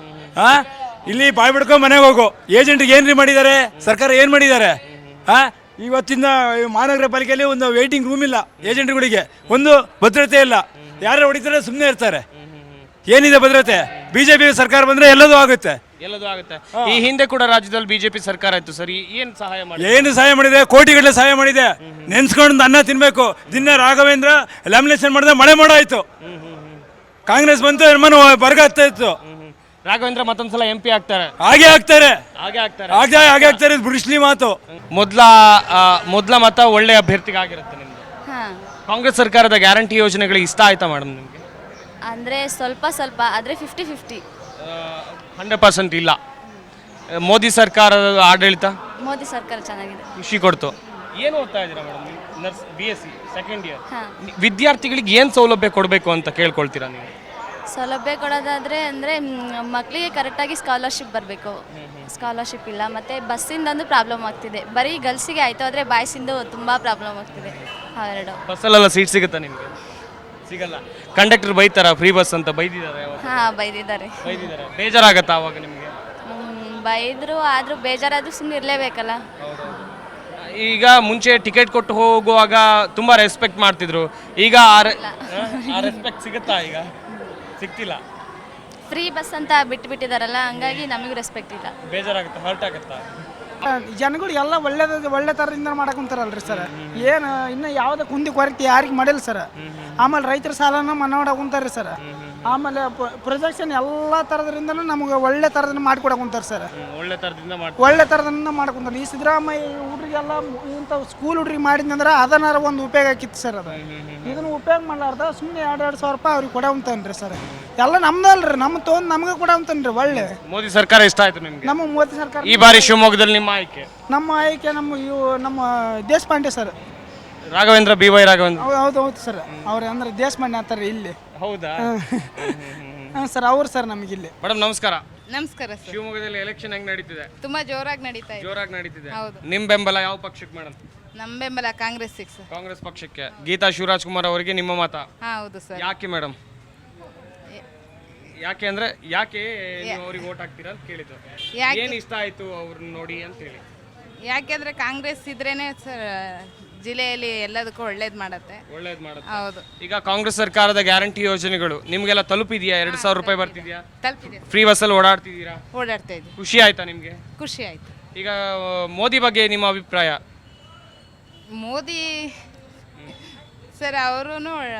Speaker 5: ಇಲ್ಲಿ ಬಾಯ್ ಬಿಡ್ಕೊಂಡು ಮನೆಗೆ ಹೋಗು. ಏಜೆಂಟ್ಗೆ ಏನ್ರಿ ಮಾಡಿದ್ದಾರೆ? ಸರ್ಕಾರ ಏನು ಮಾಡಿದ್ದಾರೆ? ಇವತ್ತಿನ ಮಹಾನಗರ ಪಾಲಿಕೆಯಲ್ಲಿ ಒಂದು ವೇಟಿಂಗ್ ರೂಮ್ ಇಲ್ಲ ಏಜೆಂಟ್ಗಳಿಗೆ, ಒಂದು ಭದ್ರತೆ ಇಲ್ಲ. ಯಾರು ಹೊಡಿತಾರೆ ಸುಮ್ಮನೆ ಇರ್ತಾರೆ. ಏನಿದೆ ಭದ್ರತೆ? ಬಿಜೆಪಿ ಸರ್ಕಾರ ಬಂದ್ರೆ ಎಲ್ಲದೂ ಆಗುತ್ತೆ.
Speaker 1: ಈ ಹಿಂದೆ ಕೂಡ ರಾಜ್ಯದಲ್ಲಿ ಬಿಜೆಪಿ ಸರ್ಕಾರ ಇತ್ತು ಸರ್, ಏನ್ ಸಹಾಯ ಮಾಡಿ?
Speaker 5: ಏನು ಸಹಾಯ ಮಾಡಿದೆ? ಕೋಟಿಗಟ್ಟಲೆ ಸಹಾಯ ಮಾಡಿದೆ. ನೆನ್ಸ್ಕೊಂಡು ಅನ್ನ ತಿನ್ಬೇಕು. ದಿನ ರಾಘವೇಂದ್ರ ಲ್ಯಾಮಿನೇಷನ್ ಮಾಡಿದ್ರೆ ಮಳೆ ಮೋಡ ಆಯ್ತು. ಕಾಂಗ್ರೆಸ್ ಬಂತು, ಮನ ಬರ್ಗ ಆಗ್ತಾ ಇತ್ತು.
Speaker 1: ರಾಘವೇಂದ್ರ ಮತ್ತೊಂದ್ಸಲ MP ಆಗ್ತಾರೆ.
Speaker 5: ಹಾಗೆ ಆಗ್ತಾರೆ,
Speaker 1: ಹಾಗೆ ಆಗ್ತಾರೆ.
Speaker 5: ಹಾಗೆ ಆಗ್ತಾರೆ. ಬುಡಿಸ್ಲಿ ಮಾತು.
Speaker 1: ಮೊದಲ ಮತ ಒಳ್ಳೆ ಅಭ್ಯರ್ಥಿಗೆ ಆಗಿರುತ್ತೆ ನಿಮ್ದು.
Speaker 2: ಹಾಂ,
Speaker 1: ಕಾಂಗ್ರೆಸ್ ಸರ್ಕಾರದ ಗ್ಯಾರಂಟಿ ಯೋಜನೆಗಳು ಇಷ್ಟ ಆಯ್ತಾ ಮೇಡಮ್ ನಿಮಗೆ?
Speaker 2: ಅಂದರೆ ಸ್ವಲ್ಪ ಆದರೆ 50-50.
Speaker 1: 100% ಇಲ್ಲ. ಮೋದಿ ಸರ್ಕಾರದ ಆಡಳಿತ
Speaker 2: ಮೋದಿ ಸರ್ಕಾರ ಚೆನ್ನಾಗಿದೆ.
Speaker 1: ಖುಷಿ ಕೊಡ್ತು. ಏನು ಓದ್ತಾ ಇದ್ದೀರಾ ಮೇಡಮ್? BSc second year.
Speaker 2: ಹಾಂ,
Speaker 1: ವಿದ್ಯಾರ್ಥಿಗಳಿಗೆ ಏನು ಸೌಲಭ್ಯ ಕೊಡಬೇಕು ಅಂತ ಕೇಳ್ಕೊಳ್ತೀರಾ ನೀವು?
Speaker 2: ಸೌಲಭ್ಯ ಕೊಡೋದಾದರೆ ಅಂದರೆ ಮಕ್ಕಳಿಗೆ ಕರೆಕ್ಟಾಗಿ ಸ್ಕಾಲರ್ಶಿಪ್ ಬರಬೇಕು. ಸ್ಕಾಲರ್ಶಿಪ್ ಇಲ್ಲ. ಮತ್ತು ಬಸ್ಸಿಂದೊಂದು ಪ್ರಾಬ್ಲಮ್ ಆಗ್ತಿದೆ. ಬರೀ ಗರ್ಲ್ಸಿಗೆ ಆಯಿತು, ಆದರೆ ಬಾಯ್ಸಿಂದು ತುಂಬ ಪ್ರಾಬ್ಲಮ್ ಆಗ್ತಿದೆ. ಅವೆರಡು.
Speaker 1: ಬಸ್ಸಲ್ಲೆಲ್ಲ ಸೀಟ್ ಸಿಗುತ್ತಾ ನಿಮಗೆ? ಸಿಗಲ್ಲ. ಕಂಡಕ್ಟರ್ ಬೈತಾರ ಫ್ರೀ ಬಸ್ ಅಂತ? ಬೈದಿದ್ದಾರೆ?
Speaker 2: ಹಾಂ, ಬೈದಿದ್ದಾರೆ.
Speaker 1: ಬೇಜಾರಾಗತ್ತಾ ಅವಾಗ ನಿಮಗೆ?
Speaker 2: ಬೈದರು, ಆದರೂ ಬೇಜಾರಾದರೂ ಸುಮ್ಮನೆ ಇರಲೇಬೇಕಲ್ಲ.
Speaker 1: ಈಗ ಮುಂಚೆ ಟಿಕೆಟ್ ಕೊಟ್ಟು ಹೋಗುವಾಗ ತುಂಬಾ ರೆಸ್ಪೆಕ್ಟ್ ಮಾಡ್ತಿದ್ರು. ಈಗ ಆ ರೆಸ್ಪೆಕ್ಟ್ ಸಿಗುತ್ತಾ? ಈಗ ಸಿಗ್ತಿಲ್ಲ.
Speaker 2: ಫ್ರೀ ಬಸ್ ಅಂತ ಬಿಟ್ಟಿದ್ದಾರಲ್ಲ, ಹಂಗಾಗಿ ನಮಗೂ ರೆಸ್ಪೆಕ್ಟ್ ಇಲ್ಲ.
Speaker 1: ಬೇಜಾರಾಗುತ್ತೆ, ಹರ್ಟ್ ಆಗುತ್ತಾ?
Speaker 10: ಜನಗಳು ಎಲ್ಲ ಒಳ್ಳೆ ಥರದಿಂದ ಮಾಡಕೊಂತಾರಲ್ರಿ ಸರ್. ಏನು ಇನ್ನು ಯಾವುದೇ ಕುಂದಿ ಕೊರತೆ ಯಾರಿಗೆ ಮಾಡಿಲ್ಲ ಸರ್. ಆಮೇಲೆ ರೈತರ ಸಾಲನ ಮನ್ನಾ ಮಾಡಕೊಂತಾರೆ ಸರ್. ಆಮೇಲೆ ಪ್ರೊಜೆಕ್ಷನ್ ಎಲ್ಲ ಥರದ್ರಿಂದನೂ ನಮಗೆ ಒಳ್ಳೆ ಥರದಿಂದ ಮಾಡಿಕೊಡಕೊಂತಾರೆ ಸರ್. ಒಳ್ಳೆ ಥರದಿಂದ ಮಾಡ್ಕೊಂತಾರೆ. ಈ ಸಿದ್ದರಾಮಯ್ಯ ಹುಡ್ರಿಗೆಲ್ಲ ಇಂಥ ಸ್ಕೂಲ್ ಹುಡ್ರಿಗೆ ಮಾಡಿದ್ನಂದ್ರೆ ಅದನ್ನಾರ ಒಂದು ಉಪಯೋಗ ಆಕಿತ್ತು ಸರ್. ಅದು ಇದನ್ನು ಉಪಯೋಗ ಮಾಡಲಾರ್ದ ಸುಮ್ಮನೆ 2,000 ರೂಪಾಯಿ ಅವ್ರಿಗೆ ಕೊಡವಂತಾನ್ರಿ ಸರ್. ಎಲ್ಲ ನಮ್ದಲ್ರಿ, ನಮ್ಮ ತೊಗೊಂಡು ನಮಗೆ ಕೊಡವಂತಾನ್ರಿ. ಒಳ್ಳೆ
Speaker 1: ಮೋದಿ ಸರ್ಕಾರ ಇಷ್ಟ ಆಯ್ತು ನಿಮಗೆ?
Speaker 10: ನಮ್ಮ ಮೋದಿ ಸರ್ಕಾರ
Speaker 1: ಈ ಬಾರಿ ಶಿವಮೊಗ್ಗದಲ್ಲಿ ನಿಮ್ಮ ಆಯ್ಕೆ?
Speaker 10: ನಮ್ಮ ದೇಶಪಾಂಡೆ ಸರ್.
Speaker 1: ರಾಘವೇಂದ್ರ, BY ರಾಘವೇಂದ್ರ.
Speaker 10: ಹೌದು ಸರ್. ಅವ್ರು ಅಂದ್ರೆ ದೇಶಪಾಂಡೆ ಅಂತಾರೆ ಇಲ್ಲಿ.
Speaker 1: ಹೌದಾ?
Speaker 10: ಹಾಂ ಸರ್, ಅವ್ರು ಸರ್ ನಮಗೆ ಇಲ್ಲಿ.
Speaker 1: ಮೇಡಮ್ ನಮಸ್ಕಾರ.
Speaker 7: ನಮಸ್ಕಾರ ಸರ್.
Speaker 1: ಶಿವಮೊಗ್ಗದಲ್ಲಿ ಎಲೆಕ್ಷನ್ ಹೆಂಗ್ ನಡೀತಿದೆ?
Speaker 7: ತುಂಬಾ ಜೋರಾಗಿ ನಡೀತಾ ಇದೆ.
Speaker 1: ಜೋರಾಗಿ ನಡೀತಿದೆ.
Speaker 7: ಹೌದು.
Speaker 1: ನಿಮ್ ಬೆಂಬಲ ಯಾವ ಪಕ್ಷಕ್ಕೆ ಮೇಡಮ್?
Speaker 7: ನಮ್ಮ ಬೆಂಬಲ ಕಾಂಗ್ರೆಸ್ ಸರ್.
Speaker 1: ಕಾಂಗ್ರೆಸ್ ಪಕ್ಷಕ್ಕೆ. ಗೀತಾ ಶಿವರಾಜ್ ಕುಮಾರ್ ಅವರಿಗೆ ನಿಮ್ಮ ಮತ?
Speaker 7: ಹೌದು ಸರ್.
Speaker 1: ಯಾಕೆ ಮೇಡಮ್? ಯಾಕೆ ಅಂದ್ರೆ ಯಾಕೆ ನೀವು ಅವ್ರಿಗೆ ವೋಟ್ ಹಾಕ್ತೀರಾ ಅಂತ ಕೇಳಿದ್ದು. ಏನ್ ಇಷ್ಟ ಆಯ್ತು ಅವ್ರನ್ನ ನೋಡಿ ಅಂತ ಹೇಳಿ?
Speaker 7: ಯಾಕೆಂದ್ರೆ ಕಾಂಗ್ರೆಸ್ ಇದ್ರೇನೆ ಸರ್ ಜಿಲ್ಲೆಯಲ್ಲಿ ಎಲ್ಲದಕ್ಕೂ ಒಳ್ಳೇದು ಮಾಡುತ್ತೆ. ಹೌದು.
Speaker 1: ಈಗ ಕಾಂಗ್ರೆಸ್ ಸರ್ಕಾರದ ಗ್ಯಾರಂಟಿ ಯೋಜನೆಗಳು ನಿಮ್ಗೆಲ್ಲ ತಲುಪಿದ್ಯಾ? 2,000 ರೂಪಾಯಿ ಬರ್ತಿದ್ಯಾ?
Speaker 7: ತಲುಪಿದೆ.
Speaker 1: ಫ್ರೀ ಬಸ್ಸಲ್ಲಿ ಓಡಾಡ್ತಿದ್ದೀರಾ?
Speaker 7: ಓಡಾಡ್ತಾ ಇದ್ದೀವಿ.
Speaker 1: ಖುಷಿ ಆಯ್ತಾ ನಿಮ್ಗೆ?
Speaker 7: ಖುಷಿ ಆಯ್ತು.
Speaker 1: ಈಗ ಮೋದಿ ಬಗ್ಗೆ ನಿಮ್ಮ ಅಭಿಪ್ರಾಯ?
Speaker 7: ಮೋದಿ ಸರ್ ಅವರು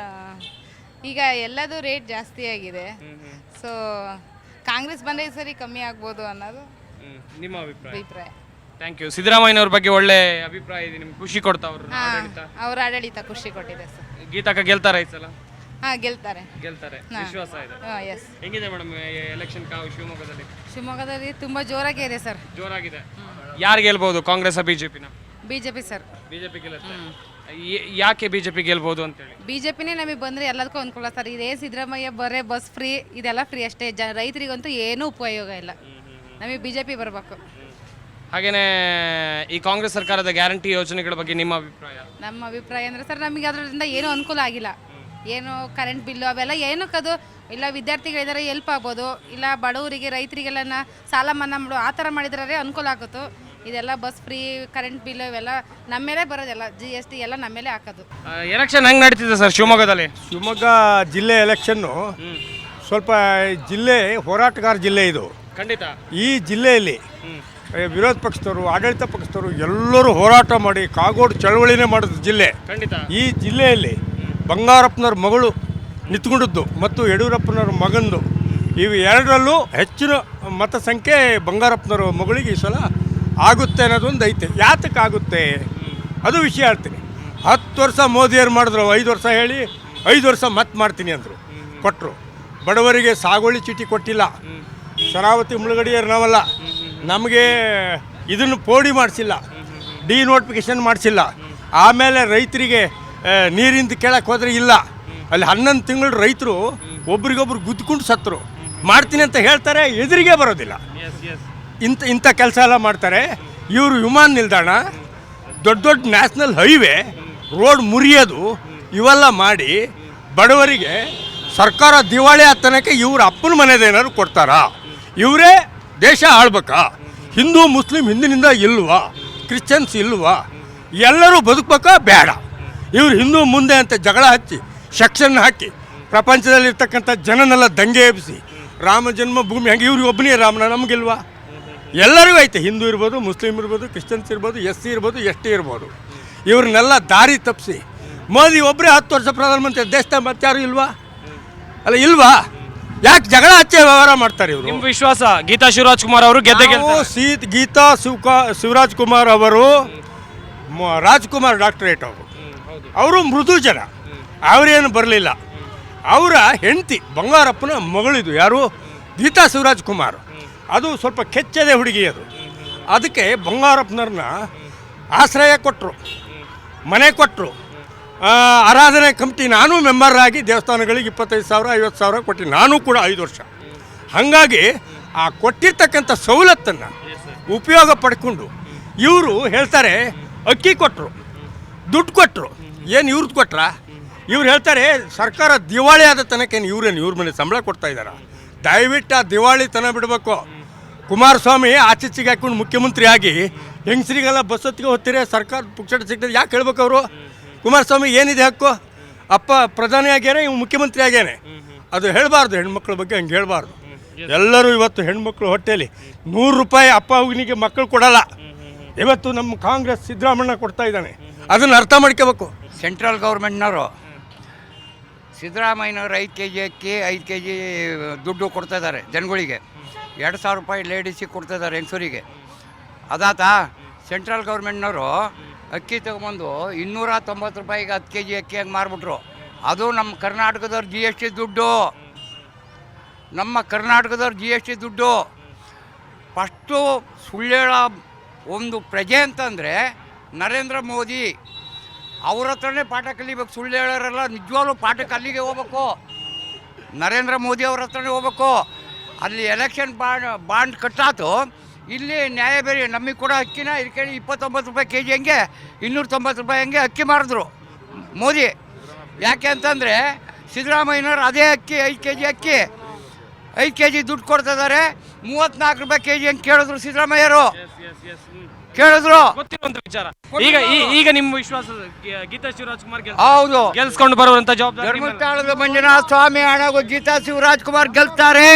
Speaker 7: ಈಗ ಎಲ್ಲದೂ ರೇಟ್ ಜಾಸ್ತಿ ಆಗಿದೆ. ಸೊ ಕಾಂಗ್ರೆಸ್ ಬಂದರೆ ಸರಿ ಕಮ್ಮಿ ಆಗ್ಬೋದು ಅನ್ನೋದು
Speaker 1: ನಿಮ್ಮ ಅಭಿಪ್ರಾಯ.
Speaker 7: Thank
Speaker 1: you. ಸಿದ್ದರಾಮಯ್ಯನವ್ರ ಬಗ್ಗೆ ಒಳ್ಳೆ ಅಭಿಪ್ರಾಯ ಇದೆ ನಿಮ್ಗೆ? ಖುಷಿ ಕೊಡ್ತಾ ಅವರು?
Speaker 7: ಅವ್ರ ಆಡಳಿತ ಖುಷಿ ಕೊಟ್ಟಿದೆ ಸರ್.
Speaker 1: ಗೀತಾಕ ಗೆಲ್ತಾರೆ ಈ ಸಲ?
Speaker 7: ಹಾಂ, ಗೆಲ್ತಾರೆ.
Speaker 1: ವಿಶ್ವಾಸ ಇದೆ.
Speaker 7: ಎಸ್.
Speaker 1: ಹೆಂಗಿದೆ ಮೇಡಮ್ ಎಲೆಕ್ಷನ್ ಕಾವು ಶಿವಮೊಗ್ಗದಲ್ಲಿ?
Speaker 7: ಶಿವಮೊಗ್ಗದಲ್ಲಿ ತುಂಬ ಜೋರಾಗಿ ಇದೆ ಸರ್.
Speaker 1: ಜೋರಾಗಿದೆ. ಯಾರು ಗೆಲ್ಬಹುದು, ಕಾಂಗ್ರೆಸ್ ಬಿಜೆಪಿನ?
Speaker 7: BJP sir.
Speaker 1: ಬಿಜೆಪಿ ಗೆಲ್ಲುತ್ತೆ. ಯಾಕೆ ಬಿಜೆಪಿ ಗೆಲ್ಬಹುದು ಅಂತೇಳಿ?
Speaker 7: ಬಿಜೆಪಿನೇ ನಮಗೆ ಬಂದರೆ ಎಲ್ಲದಕ್ಕೂ ಅನುಕೂಲ ಸರ್. ಇದೇ ಸಿದ್ದರಾಮಯ್ಯ ಬರೇ ಬಸ್ ಫ್ರೀ ಇದೆಲ್ಲ ಫ್ರೀ ಅಷ್ಟೇ. ರೈತರಿಗಂತೂ ಏನೂ ಉಪಯೋಗ ಇಲ್ಲ. ನಮಗೆ ಬಿಜೆಪಿ ಬರಬೇಕು.
Speaker 1: ಹಾಗೇನೇ ಈ ಕಾಂಗ್ರೆಸ್ ಸರ್ಕಾರದ ಗ್ಯಾರಂಟಿ ಯೋಜನೆಗಳ ಬಗ್ಗೆ ನಿಮ್ಮ ಅಭಿಪ್ರಾಯ?
Speaker 7: ನಮ್ಮ ಅಭಿಪ್ರಾಯ ಅಂದರೆ ಸರ್ ನಮಗೆ ಅದರಿಂದ ಏನೂ ಅನುಕೂಲ ಆಗಿಲ್ಲ. ಏನು ಕರೆಂಟ್ ಬಿಲ್ಲು ಅವೆಲ್ಲ ಏನಕ್ಕದು ಇಲ್ಲ ವಿದ್ಯಾರ್ಥಿಗಳಿದ್ದಾರೆ ಎಲ್ಪ್ ಆಗ್ಬೋದು, ಇಲ್ಲ ಬಡವರಿಗೆ ರೈತರಿಗೆಲ್ಲ ಸಾಲ ಮನ್ನಾ ಮಾಡು ಆ ಥರ ಮಾಡಿದ್ರೆ ಅನುಕೂಲ ಆಗುತ್ತೋ. ಇದೆಲ್ಲ ಬಸ್ ಫ್ರೀ, ಕರೆಂಟ್ ಬಿಲ್ ಇವೆಲ್ಲ ನಮ್ಮ ಮೇಲೆ ಬರೋದೆಲ್ಲ, GST ಎಲ್ಲ ನಮ್ಮ ಮೇಲೆ ಹಾಕೋದು.
Speaker 1: ಎಲೆಕ್ಷನ್ ಹೆಂಗೆ ನಡೀತಿದೆ ಸರ್ ಶಿವಮೊಗ್ಗದಲ್ಲಿ?
Speaker 11: ಶಿವಮೊಗ್ಗ ಜಿಲ್ಲೆ ಎಲೆಕ್ಷನ್ನು ಸ್ವಲ್ಪ ಜಿಲ್ಲೆ ಹೋರಾಟಗಾರ ಜಿಲ್ಲೆ ಇದು.
Speaker 1: ಖಂಡಿತ.
Speaker 11: ಈ ಜಿಲ್ಲೆಯಲ್ಲಿ ವಿರೋಧ ಪಕ್ಷದವರು, ಆಡಳಿತ ಪಕ್ಷದವರು ಎಲ್ಲರೂ ಹೋರಾಟ ಮಾಡಿ ಕಾಗೋಡು ಚಳವಳಿನೇ ಮಾಡಿದ ಜಿಲ್ಲೆ.
Speaker 1: ಖಂಡಿತ.
Speaker 11: ಈ ಜಿಲ್ಲೆಯಲ್ಲಿ ಬಂಗಾರಪ್ಪನವ್ರ ಮಗಳು ನಿಂತ್ಕೊಂಡಿದ್ದು ಮತ್ತು ಯಡಿಯೂರಪ್ಪನವ್ರ ಮಗಂದು ಇವು ಎರಡರಲ್ಲೂ ಹೆಚ್ಚಿನ ಮತ ಸಂಖ್ಯೆ ಬಂಗಾರಪ್ಪನವ್ರ ಮಗಳಿಗೆ ಈ ಸಲ ಆಗುತ್ತೆ ಅನ್ನೋದೊಂದು ಐತೆ. ಯಾತಕ್ಕಾಗುತ್ತೆ ಅದು ವಿಷಯ ಹೇಳ್ತೀನಿ. 10 ವರ್ಷ ಮೋದಿಯವ್ರು ಮಾಡಿದ್ರು, 5 ವರ್ಷ ಹೇಳಿ 5 ವರ್ಷ ಮತ್ತೆ ಮಾಡ್ತೀನಿ ಅಂದರು, ಕೊಟ್ಟರು. ಬಡವರಿಗೆ ಸಾಗುವಳಿ ಚೀಟಿ ಕೊಟ್ಟಿಲ್ಲ. ಶರಾವತಿ ಮುಳುಗಡೆಯರು ನಾವಲ್ಲ, ನಮಗೆ ಇದನ್ನು ಪೋಡಿ ಮಾಡಿಸಿಲ್ಲ, ಡಿನೋಟಿಫಿಕೇಷನ್ ಮಾಡಿಸಿಲ್ಲ. ಆಮೇಲೆ ರೈತರಿಗೆ ನೀರಿಂದ ಕೇಳಕ್ಕೆ ಹೋದರೆ ಇಲ್ಲ, ಅಲ್ಲಿ 11 ತಿಂಗಳು ರೈತರು ಒಬ್ರಿಗೊಬ್ರು ಗುದ್ದುಕೊಂಡು ಸತ್ತರು. ಮಾಡ್ತೀನಿ ಅಂತ ಹೇಳ್ತಾರೆ, ಎದುರಿಗೆ ಬರೋದಿಲ್ಲ. ಇಂಥ ಕೆಲಸ ಎಲ್ಲ ಮಾಡ್ತಾರೆ ಇವರು. ವಿಮಾನ ನಿಲ್ದಾಣ, ದೊಡ್ಡ ದೊಡ್ಡ ನ್ಯಾಷನಲ್ ಹೈವೇ, ರೋಡ್ ಮುರಿಯೋದು ಇವೆಲ್ಲ ಮಾಡಿ ಬಡವರಿಗೆ ಸರ್ಕಾರ ದಿವಾಳಿ ಆತನಕ್ಕೆ ಇವ್ರ ಅಪ್ಪನ ಮನೆದೇನಾದ್ರು ಕೊಡ್ತಾರಾ? ಇವರೇ ದೇಶ ಆಳ್ಬೇಕಾ? ಹಿಂದೂ ಮುಸ್ಲಿಂ ಹಿಂದಿನಿಂದ ಇಲ್ವಾ? ಕ್ರಿಶ್ಚಿಯನ್ಸ್ ಇಲ್ವಾ? ಎಲ್ಲರೂ ಬದುಕಬೇಕಾ ಬೇಡ, ಇವರು ಹಿಂದೂ ಮುಂದೆ ಅಂತ ಜಗಳ ಹಚ್ಚಿ ಸೆಕ್ಷನ್ ಹಾಕಿ ಪ್ರಪಂಚದಲ್ಲಿರ್ತಕ್ಕಂಥ ಜನನೆಲ್ಲ ದಂಗೆ ಎಬ್ಬಿಸಿ ರಾಮ ಜನ್ಮಭೂಮಿ ಹಂಗೆ ಇವ್ರಿಗೆ ಒಬ್ಬನೇ ರಾಮನ ನಮಗಿಲ್ವಾ? ಎಲ್ಲರಿಗೂ ಐತೆ, ಹಿಂದೂ ಇರ್ಬೋದು, ಮುಸ್ಲಿಮ್ ಇರ್ಬೋದು, ಕ್ರಿಶ್ಚಿಯನ್ಸ್ ಇರ್ಬೋದು, SC ಇರ್ಬೋದು, ST ಇರ್ಬೋದು. ಇವ್ರನ್ನೆಲ್ಲ ದಾರಿ ತಪ್ಪಿಸಿ ಮೋದಿ ಒಬ್ಬರೇ 10 ವರ್ಷ ಪ್ರಧಾನಮಂತ್ರಿ, ದೇಶದ ಮತ್ತಾರು ಇಲ್ವಾ? ಅಲ್ಲ ಇಲ್ವಾ? ಯಾಕೆ ಜಗಳ ಹಚ್ಚೆ ವ್ಯವಹಾರ ಮಾಡ್ತಾರೆ ಇವರು?
Speaker 1: ನಿಮ್ಮ ವಿಶ್ವಾಸ ಗೀತಾ ಶಿವರಾಜ್ ಕುಮಾರ್ ಅವರು ಗೆದ್ದೆ
Speaker 11: ಗೀತಾ ಶಿವರಾಜ್ ಕುಮಾರ್ ಅವರು ರಾಜ್ಕುಮಾರ್ ಡಾಕ್ಟರೇಟ್ ಅವರು ಮೃದು ಜನ, ಅವರೇನು ಬರಲಿಲ್ಲ. ಅವರ ಹೆಂಡತಿ ಬಂಗಾರಪ್ಪನ ಮಗಳಿದು ಯಾರು? ಗೀತಾ ಶಿವರಾಜ್ ಕುಮಾರ್. ಅದು ಸ್ವಲ್ಪ ಕೆಚ್ಚದೆ ಹುಡುಗಿ ಅದು. ಅದಕ್ಕೆ ಬಂಗಾರಪ್ಪನವ್ರನ್ನ ಆಶ್ರಯ ಕೊಟ್ಟರು, ಮನೆ ಕೊಟ್ಟರು, ಆರಾಧನೆ ಕಮಿಟಿ ನಾನು ಮೆಂಬರ್ ಆಗಿ ದೇವಸ್ಥಾನಗಳಿಗೆ 25,000 50,000 ಕೊಟ್ಟು ನಾನು ಕೂಡ 5 ವರ್ಷ. ಹಾಗಾಗಿ ಆ ಕೊಟ್ಟಿರ್ತಕ್ಕಂಥ ಸವಲತ್ತನ್ನು ಉಪಯೋಗ ಪಡ್ಕೊಂಡು ಇವರು ಹೇಳ್ತಾರೆ ಅಕ್ಕಿ ಕೊಟ್ಟರು, ದುಡ್ಡು ಕೊಟ್ಟರು. ಏನು ಇವ್ರದ್ದು ಕೊಟ್ರ? ಇವ್ರು ಹೇಳ್ತಾರೆ ಸರ್ಕಾರ ದಿವಾಳಿ ಆದ ತನಕ ಇವ್ರ ಮನೆ ಸಂಬಳ ಕೊಡ್ತಾ ಇದ್ದಾರೆ. ದಯವಿಟ್ಟು ಆ ದಿವಾಳಿತನ ಬಿಡಬೇಕು. ಕುಮಾರಸ್ವಾಮಿ ಆಚೆಚಿಗೆ ಹಾಕೊಂಡು ಮುಖ್ಯಮಂತ್ರಿ ಆಗಿ ಹೆಂಗಸರಿಗೆಲ್ಲ ಬಸ್ ಹೊತ್ತಿಗೆ ಹೋಗ್ತೀರಿ, ಸರ್ಕಾರ ಪುಕ್ಷಟ ಸಿಗ್ತದೆ ಯಾಕೆ ಹೇಳ್ಬೇಕು ಅವರು? ಕುಮಾರಸ್ವಾಮಿ ಏನಿದೆ ಹಕ್ಕು? ಅಪ್ಪ ಪ್ರಧಾನಿ ಆಗ್ಯಾನೆ, ಇವ್ ಮುಖ್ಯಮಂತ್ರಿ ಆಗ್ಯಾನೆ. ಅದು ಹೇಳಬಾರ್ದು, ಹೆಣ್ಮಕ್ಳ ಬಗ್ಗೆ ಹಂಗೆ ಹೇಳಬಾರ್ದು. ಎಲ್ಲರೂ ಇವತ್ತು ಹೆಣ್ಮಕ್ಳು ಹೊಟ್ಟೆಯಲ್ಲಿ 100 ರೂಪಾಯಿ ಅಪ್ಪ ಅವನಿಗೆ ಮಕ್ಕಳು ಕೊಡಲ್ಲ. ಇವತ್ತು ನಮ್ಮ ಕಾಂಗ್ರೆಸ್ ಸಿದ್ದರಾಮಣ್ಣ ಕೊಡ್ತಾ ಇದ್ದಾನೆ, ಅದನ್ನು ಅರ್ಥ ಮಾಡ್ಕೋಬೇಕು.
Speaker 12: ಸೆಂಟ್ರಲ್ ಗೌರ್ಮೆಂಟ್ನವರು ಸಿದ್ದರಾಮಯ್ಯನವರು 5 kg ಅಕ್ಕಿ 5 kg ದುಡ್ಡು ಕೊಡ್ತಾಯಿದ್ದಾರೆ ಜನಗಳಿಗೆ. 2,000 ರೂಪಾಯಿ ಲೇಡೀಸಿಗೆ ಕೊಡ್ತಾಯಿದ್ದಾರೆ ಹೆಂಗಸರಿಗೆ. ಅದಾತ ಸೆಂಟ್ರಲ್ ಗೌರ್ಮೆಂಟ್ನವರು ಅಕ್ಕಿ ತೊಗೊಂಬಂದು 290 ರೂಪಾಯಿಗೆ 10 kg ಅಕ್ಕಿ ಹಂಗೆ ಮಾರ್ಬಿಟ್ರು. ಅದು ನಮ್ಮ ಕರ್ನಾಟಕದವ್ರ GST ದುಡ್ಡು, ನಮ್ಮ ಕರ್ನಾಟಕದವ್ರ GST ದುಡ್ಡು. ಫಸ್ಟು ಸುಳ್ಳು ಹೇಳೋ ಒಂದು ಪ್ರಜೆ ಅಂತಂದರೆ ನರೇಂದ್ರ ಮೋದಿ. ಅವ್ರ ಹತ್ರನೇ ಪಾಠ ಕಲಿಬೇಕು. ಸುಳ್ಳು ಹೇಳೋರೆಲ್ಲ ನಿಜವಾಗ್ಲೂ ಪಾಠಕ್ಕೆ ಅಲ್ಲಿಗೆ ಹೋಗ್ಬೇಕು, ನರೇಂದ್ರ ಮೋದಿ ಅವ್ರ ಹತ್ರನೇ ಹೋಗ್ಬೇಕು. ಅಲ್ಲಿ ಎಲೆಕ್ಷನ್ ಬಾಂಡ್ ಕಟ್ಟಾತು, ಇಲ್ಲಿ ನ್ಯಾಯ ಬೇರೆ. ನಮಗೆ ಕೂಡ ಅಕ್ಕಿನ ಇದಕ್ಕೆ 29 ರೂಪಾಯಿ kg ಹಂಗೆ 290 ರೂಪಾಯಿ ಹಂಗೆ ಅಕ್ಕಿ ಮಾರಿದ್ರು ಮೋದಿ. ಯಾಕೆ ಅಂತಂದರೆ ಸಿದ್ದರಾಮಯ್ಯನವ್ರು ಅದೇ ಅಕ್ಕಿ 5 kg ಅಕ್ಕಿ 5 kg ದುಡ್ಡು ಕೊಡ್ತಿದ್ದಾರೆ. 34 ರೂಪಾಯಿ kg ಹಂಗೆ ಕೇಳಿದ್ರು ಸಿದ್ದರಾಮಯ್ಯರು, ಕೇಳಿದ್ರು.
Speaker 1: ಗೊತ್ತಿರುವಂತ ವಿಚಾರ. ಈಗ ನಿಮ್ಮ ವಿಶ್ವಾಸ ಗೀತಾ ಶಿವರಾಜ್ ಕುಮಾರ್
Speaker 12: ಹೌದು,
Speaker 1: ಗೆಲ್ಸ್ಕೊಂಡು ಬರುವಂತ ಜವಾಬ್ದಾರಿ
Speaker 12: ಧರ್ಮಸ್ಥಳದ ಮಂಜುನಾಥ ಸ್ವಾಮಿ ಹಣಗೂ ಗೀತಾ ಶಿವರಾಜ್ ಕುಮಾರ್ ಗೆಲ್ತಾರೆ.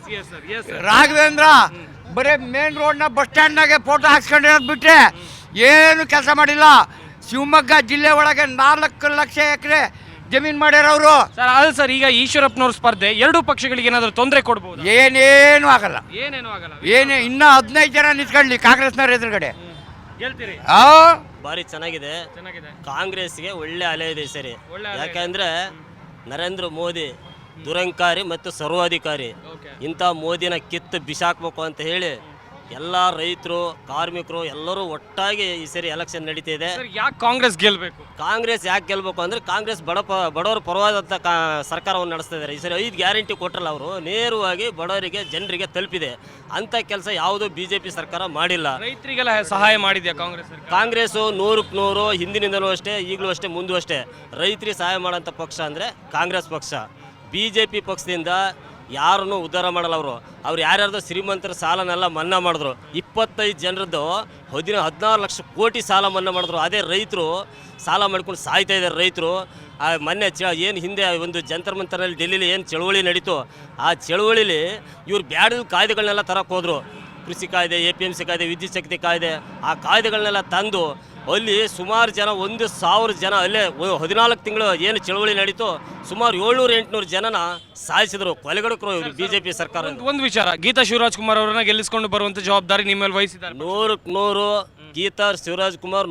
Speaker 12: ರಾಘವೇಂದ್ರ ಬರೀ ಮೇನ್ ರೋಡ್ನ ಬಸ್ ಸ್ಟ್ಯಾಂಡ್ನಾಗೆ ಫೋಟೋ ಹಾಕ್ಸ್ಕೊಂಡಿರೋದು ಬಿಟ್ಟರೆ ಏನು ಕೆಲಸ ಮಾಡಿಲ್ಲ. ಶಿವಮೊಗ್ಗ ಜಿಲ್ಲೆ ಒಳಗೆ 4 ಲಕ್ಷ ಎಕರೆ ಜಮೀನು ಮಾಡ್ಯಾರವರು.
Speaker 1: ಸರ್ ಅದು ಸರ್, ಈಗ ಈಶ್ವರಪ್ಪನವ್ರ ಸ್ಪರ್ಧೆ ಎರಡೂ ಪಕ್ಷಗಳಿಗೆ ಏನಾದರೂ ತೊಂದರೆ ಕೊಡ್ಬೋದು?
Speaker 12: ಏನೇನು ಆಗಲ್ಲ,
Speaker 1: ಏನೇನು ಆಗಲ್ಲ.
Speaker 12: ಇನ್ನೂ 15 ಜನ ನಿಂತ್ಕೊಳ್ಳಿ ಕಾಂಗ್ರೆಸ್ನವ್ರ ಎದುರುಗಡೆ.
Speaker 1: ಗೆಲ್ತೀರಿ?
Speaker 13: ಭಾರಿ ಚೆನ್ನಾಗಿದೆ. ಕಾಂಗ್ರೆಸ್ಗೆ ಒಳ್ಳೆ ಅಲೆ ಇದೆ ಸರಿ. ಯಾಕಂದ್ರೆ ನರೇಂದ್ರ ಮೋದಿ ದುರಂಕಾರಿ ಮತ್ತು ಸರ್ವಾಧಿಕಾರಿ. ಇಂಥ ಮೋದಿನ ಕಿತ್ತು ಬಿಸಾಕ್ಬೇಕು ಅಂತ ಹೇಳಿ ಎಲ್ಲ ರೈತರು, ಕಾರ್ಮಿಕರು ಎಲ್ಲರೂ ಒಟ್ಟಾಗಿ ಈ ಸರಿ ಎಲೆಕ್ಷನ್ ನಡೀತಿದೆ.
Speaker 1: ಯಾಕೆ ಕಾಂಗ್ರೆಸ್ ಗೆಲ್ಬೇಕು?
Speaker 13: ಕಾಂಗ್ರೆಸ್ ಯಾಕೆ ಗೆಲ್ಬೇಕು ಅಂದ್ರೆ ಕಾಂಗ್ರೆಸ್ ಬಡವರ ಪರವಾದಂಥ ಸರ್ಕಾರವನ್ನು ನಡೆಸ್ತಾ ಇದ್ದಾರೆ. ಈ ಸರಿ 5 ಗ್ಯಾರಂಟಿ ಕೊಟ್ಟರಲ್ಲ, ಅವರು ನೇರವಾಗಿ ಬಡವರಿಗೆ ಜನರಿಗೆ ತಲುಪಿದೆ. ಅಂಥ ಕೆಲಸ ಯಾವುದೂ BJP ಸರ್ಕಾರ ಮಾಡಿಲ್ಲ.
Speaker 1: ರೈತರಿಗೆಲ್ಲ ಸಹಾಯ ಮಾಡಿದೆಯಾ ಕಾಂಗ್ರೆಸ್?
Speaker 13: ಕಾಂಗ್ರೆಸ್ಸು 100ಕ್ಕೆ 100 ಹಿಂದಿನಿಂದಲೂ ಅಷ್ಟೇ, ಈಗಲೂ ಅಷ್ಟೇ, ಮುಂದೂ ಅಷ್ಟೇ. ರೈತರಿಗೆ ಸಹಾಯ ಮಾಡೋಂಥ ಪಕ್ಷ ಅಂದರೆ ಕಾಂಗ್ರೆಸ್ ಪಕ್ಷ. BJP ಪಕ್ಷದಿಂದ ಯಾರನ್ನೂ ಉದ್ಧಾರ ಮಾಡಲ್ಲ. ಅವ್ರು ಯಾರ್ಯಾರ್ದು ಶ್ರೀಮಂತರ ಸಾಲನೆಲ್ಲ ಮನ್ನಾ ಮಾಡಿದ್ರು. 25 ಜನರದ್ದು 16 ಲಕ್ಷ ಕೋಟಿ ಸಾಲ ಮನ್ನಾ ಮಾಡಿದ್ರು. ಅದೇ ರೈತರು ಸಾಲ ಮಾಡ್ಕೊಂಡು ಸಾಯ್ತಾ ಇದ್ದಾರೆ ರೈತರು. ಮೊನ್ನೆ ಏನು ಹಿಂದೆ ಒಂದು ಜಂತರ್ ಮಂತರಲ್ಲಿ ಡೆಲ್ಲಿಲಿ ಏನು ಚಳುವಳಿ ನಡೀತು, ಆ ಚಳುವಳಿಲಿ ಇವ್ರು ಬ್ಯಾಡದ ಕಾಯ್ದೆಗಳನ್ನೆಲ್ಲ ತರಕ್ಕೆ ಹೋದರು. ಕೃಷಿ ಕಾಯ್ದೆ, APMC ಕಾಯ್ದೆ, ವಿದ್ಯುತ್ ಶಕ್ತಿ ಕಾಯ್ದೆ, ಆ ಕಾಯ್ದೆಗಳನ್ನೆಲ್ಲ ತಂದು ಅಲ್ಲಿ ಸುಮಾರು ಜನ 1,000 ಜನ ಅಲ್ಲೇ 14 ತಿಂಗಳು ಏನು ಚಳವಳಿ ನಡೀತು, ಸುಮಾರು 700-800 ಜನನ ಸಾಯಿಸಿದ್ರು, ಕೊಲೆಗಡಕರು BJP ಸರ್ಕಾರ.
Speaker 1: ಒಂದು ವಿಚಾರ, ಗೀತಾ ಶಿವರಾಜ್ ಕುಮಾರ್ ಅವರನ್ನ ಗೆಲ್ಲಿಸಿಕೊಂಡು ಬರುವಂತ ಜವಾಬ್ದಾರಿ ನಿಮ್ಮ ಮೇಲೆ ವಹಿಸಿದ್ದಾರೆ.
Speaker 13: 100ಕ್ಕೆ 100 ಗೀತಾ ಶಿವರಾಜ್ ಕುಮಾರ್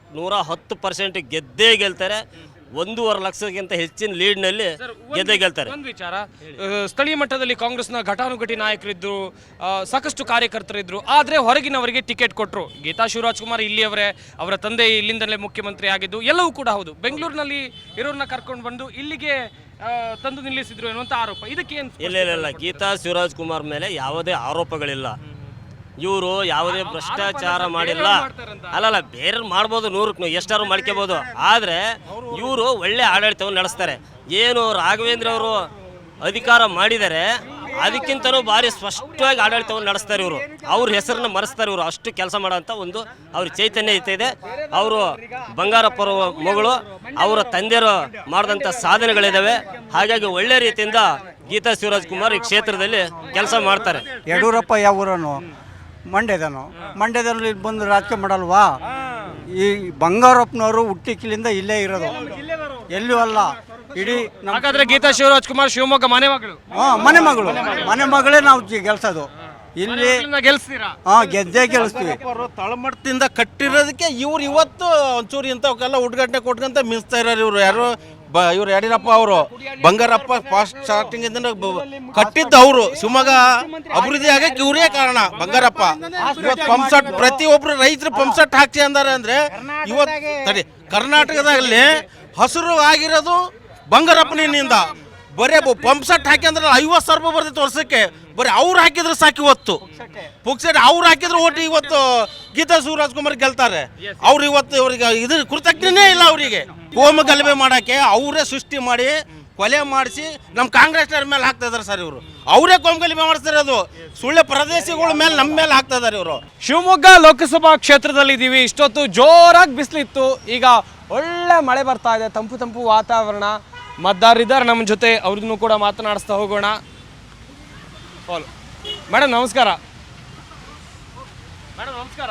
Speaker 13: 110% ಗೆದ್ದೇ ಗೆಲ್ತಾರೆ. 1.5 ಲಕ್ಷಕ್ಕಿಂತ ಹೆಚ್ಚಿನ ಲೀಡ್ನಲ್ಲಿ ಗೆದ್ದೇ ಗೆಲ್ತಾರೆ.
Speaker 1: ಒಂದು ವಿಚಾರ, ಸ್ಥಳೀಯ ಮಟ್ಟದಲ್ಲಿ ಕಾಂಗ್ರೆಸ್ನ ಘಟಾನುಘಟಿ ನಾಯಕರಿದ್ರು, ಸಾಕಷ್ಟು ಕಾರ್ಯಕರ್ತರಿದ್ರು. ಆದರೆ ಹೊರಗಿನವರಿಗೆ ಟಿಕೆಟ್ ಕೊಟ್ಟರು. ಗೀತಾ ಶಿವರಾಜ್ ಕುಮಾರ್ ಇಲ್ಲಿಯವರೇ, ಅವರ ತಂದೆ ಇಲ್ಲಿಂದಲೇ ಮುಖ್ಯಮಂತ್ರಿ ಆಗಿದ್ದು ಎಲ್ಲವೂ ಕೂಡ ಹೌದು. ಬೆಂಗಳೂರಿನಲ್ಲಿ ಇರೋರನ್ನ ಕರ್ಕೊಂಡು ಬಂದು ಇಲ್ಲಿಗೆ ತಂದು ನಿಲ್ಲಿಸಿದ್ರು ಎನ್ನುವಂಥ ಆರೋಪ. ಇದಕ್ಕೆ ಏನು?
Speaker 13: ಇಲ್ಲ, ಗೀತಾ ಶಿವರಾಜ್ ಕುಮಾರ್ ಮೇಲೆ ಯಾವುದೇ ಆರೋಪಗಳಿಲ್ಲ. ಇವರು ಯಾವುದೇ ಭ್ರಷ್ಟಾಚಾರ ಮಾಡಿಲ್ಲ. ಅಲ್ಲಲ್ಲ, ಬೇರೆ ಮಾಡ್ಬೋದು, 100ಕ್ಕೆ ಎಷ್ಟಾರು ಮಾಡ್ಕೋಬೋದು. ಆದರೆ ಇವರು ಒಳ್ಳೆ ಆಡಳಿತವನ್ನು ನಡೆಸ್ತಾರೆ. ಏನು ರಾಘವೇಂದ್ರ ಅವರು ಅಧಿಕಾರ ಮಾಡಿದರೆ ಅದಕ್ಕಿಂತಲೂ ಭಾರಿ ಸ್ಪಷ್ಟವಾಗಿ ಆಡಳಿತವನ್ನು ನಡೆಸ್ತಾರೆ ಇವರು. ಅವ್ರ ಹೆಸರನ್ನ ಮರೆಸ್ತಾರೆ ಇವರು. ಅಷ್ಟು ಕೆಲಸ ಮಾಡೋಂಥ ಒಂದು ಅವ್ರ ಚೈತನ್ಯ ಇದೆ. ಅವರು ಬಂಗಾರಪ್ಪರ ಮಗಳು, ಅವರ ತಂದೆಯರು ಮಾಡಿದಂಥ ಸಾಧನೆಗಳಿದ್ದಾವೆ. ಹಾಗಾಗಿ ಒಳ್ಳೆ ರೀತಿಯಿಂದ ಗೀತಾ ಶಿವರಾಜ್ ಕುಮಾರ್ ಈ ಕ್ಷೇತ್ರದಲ್ಲಿ ಕೆಲಸ ಮಾಡ್ತಾರೆ.
Speaker 14: ಯಡಿಯೂರಪ್ಪ ಯಾವ ಊರನು? ಮಂಡ್ಯದಲ್ಲಿ ಬಂದು ರಾಜಕೀಯ ಮಾಡಲ್ವಾ? ಈ ಬಂಗಾರಪ್ಪನವರು ಹುಟ್ಟಿಕಿಲಿಂದ ಇಲ್ಲೇ ಇರೋದು, ಎಲ್ಲೂ ಅಲ್ಲ. ಇಡೀ
Speaker 1: ಹಾಗಾದ್ರೆ ಗೀತಾ ಶಿವರಾಜ್ ಕುಮಾರ್ ಶಿವಮೊಗ್ಗ ಮನೆ ಮಗಳು.
Speaker 14: ಮನೆ ಮಗಳೇ ನಾವು ಗೆಲ್ಸೋದು ಇಲ್ಲಿ.
Speaker 1: ಗೆಲ್ಸ್ತೀರಾ?
Speaker 14: ಗೆದ್ದೇ ಗೆಲ್ಲಿಸ್ತೀವಿ.
Speaker 3: ತಳಮಟ್ಟದಿಂದ ಕಟ್ಟಿರೋದಕ್ಕೆ ಇವ್ರು ಇವತ್ತು ಒಂಚೂರು ಇಂಥವಕ್ಕೆಲ್ಲ ಉದ್ಘಾಟನೆ ಕೊಟ್ಕೊಂತ ಮಿಸ್ತಾ ಇರೋರು ಇವರು. ಯಾರು ಇವ್ರು ಯಡಿಯೂರಪ್ಪ ಅವರು. ಬಂಗಾರಪ್ಪ ಫಾಸ್ಟ್ ಸ್ಟಾರ್ಟಿಂಗ್ ಇಂದ ಕಟ್ಟಿದ್ದು ಅವರು. ಶಿವಮೊಗ್ಗ ಅಭಿವೃದ್ಧಿ ಆಗಕ್ಕೆ ಇವರೇ ಕಾರಣ, ಬಂಗಾರಪ್ಪ. ಇವತ್ತು ಪಂಪ್ ಸೆಟ್ ಪ್ರತಿಯೊಬ್ರು ರೈತರು ಪಂಪ್ ಸೆಟ್ ಹಾಕ್ಸಿ ಅಂದಾರೆ ಅಂದ್ರೆ ಇವತ್ತು ಕರ್ನಾಟಕದಲ್ಲಿ ಹಸಿರು ಆಗಿರೋದು ಬಂಗಾರಪ್ಪನಿಂದ. ಬರೀ ಪಂಪ್ ಸೆಟ್ ಹಾಕಿ ಅಂದ್ರೆ 50,000 ರೂಪಾಯಿ ಬರ್ತಿತ್ತು ವರ್ಷಕ್ಕೆ. ಬರೀ ಅವ್ರು ಹಾಕಿದ್ರೆ ಸಾಕು. ಇವತ್ತು ಪುಕ್ಸೆಟ್ ಅವ್ರು ಹಾಕಿದ್ರೆ ಓಟಿ ಇವತ್ತು ಗೀತಾ ಶಿವರಾಜ್ ಕುಮಾರ್ ಗೆಲ್ತಾರೆ. ಅವ್ರು ಇವತ್ತು ಇವ್ರಿಗೆ ಇದ್ರ ಕೃತಜ್ಞನೇ ಇಲ್ಲ. ಅವರಿಗೆ ಕೋಮ ಗಲಭೆ ಮಾಡೋಕ್ಕೆ ಅವರೇ ಸೃಷ್ಟಿ ಮಾಡಿ ಕೊಲೆ ಮಾಡಿಸಿ ನಮ್ಮ ಕಾಂಗ್ರೆಸ್ನವ್ರ ಮೇಲೆ ಹಾಕ್ತಾ ಇದಾರೆ ಸರ್ ಇವರು. ಅವರೇ ಕೋಮ ಗಲಭೆ ಮಾಡಿಸ್ತಿರೋದು. ಸುಳ್ಳೆ ಪ್ರದೇಶಗಳ ಮೇಲೆ ನಮ್ಮ ಮೇಲೆ ಹಾಕ್ತಾ ಇದಾರೆ ಇವರು.
Speaker 1: ಶಿವಮೊಗ್ಗ ಲೋಕಸಭಾ ಕ್ಷೇತ್ರದಲ್ಲಿ ಇದ್ದೀವಿ. ಇಷ್ಟೊತ್ತು ಜೋರಾಗಿ ಬಿಸಿಲಿತ್ತು, ಈಗ ಒಳ್ಳೆ ಮಳೆ ಬರ್ತಾ ಇದೆ, ತಂಪು ತಂಪು ವಾತಾವರಣ. ಮತದಾರರಿದ್ದಾರೆ ನಮ್ಮ ಜೊತೆ, ಅವ್ರನ್ನೂ ಕೂಡ ಮಾತನಾಡಿಸ್ತಾ ಹೋಗೋಣ. ಮೇಡಮ್ ನಮಸ್ಕಾರ. ಮೇಡಮ್ ನಮಸ್ಕಾರ.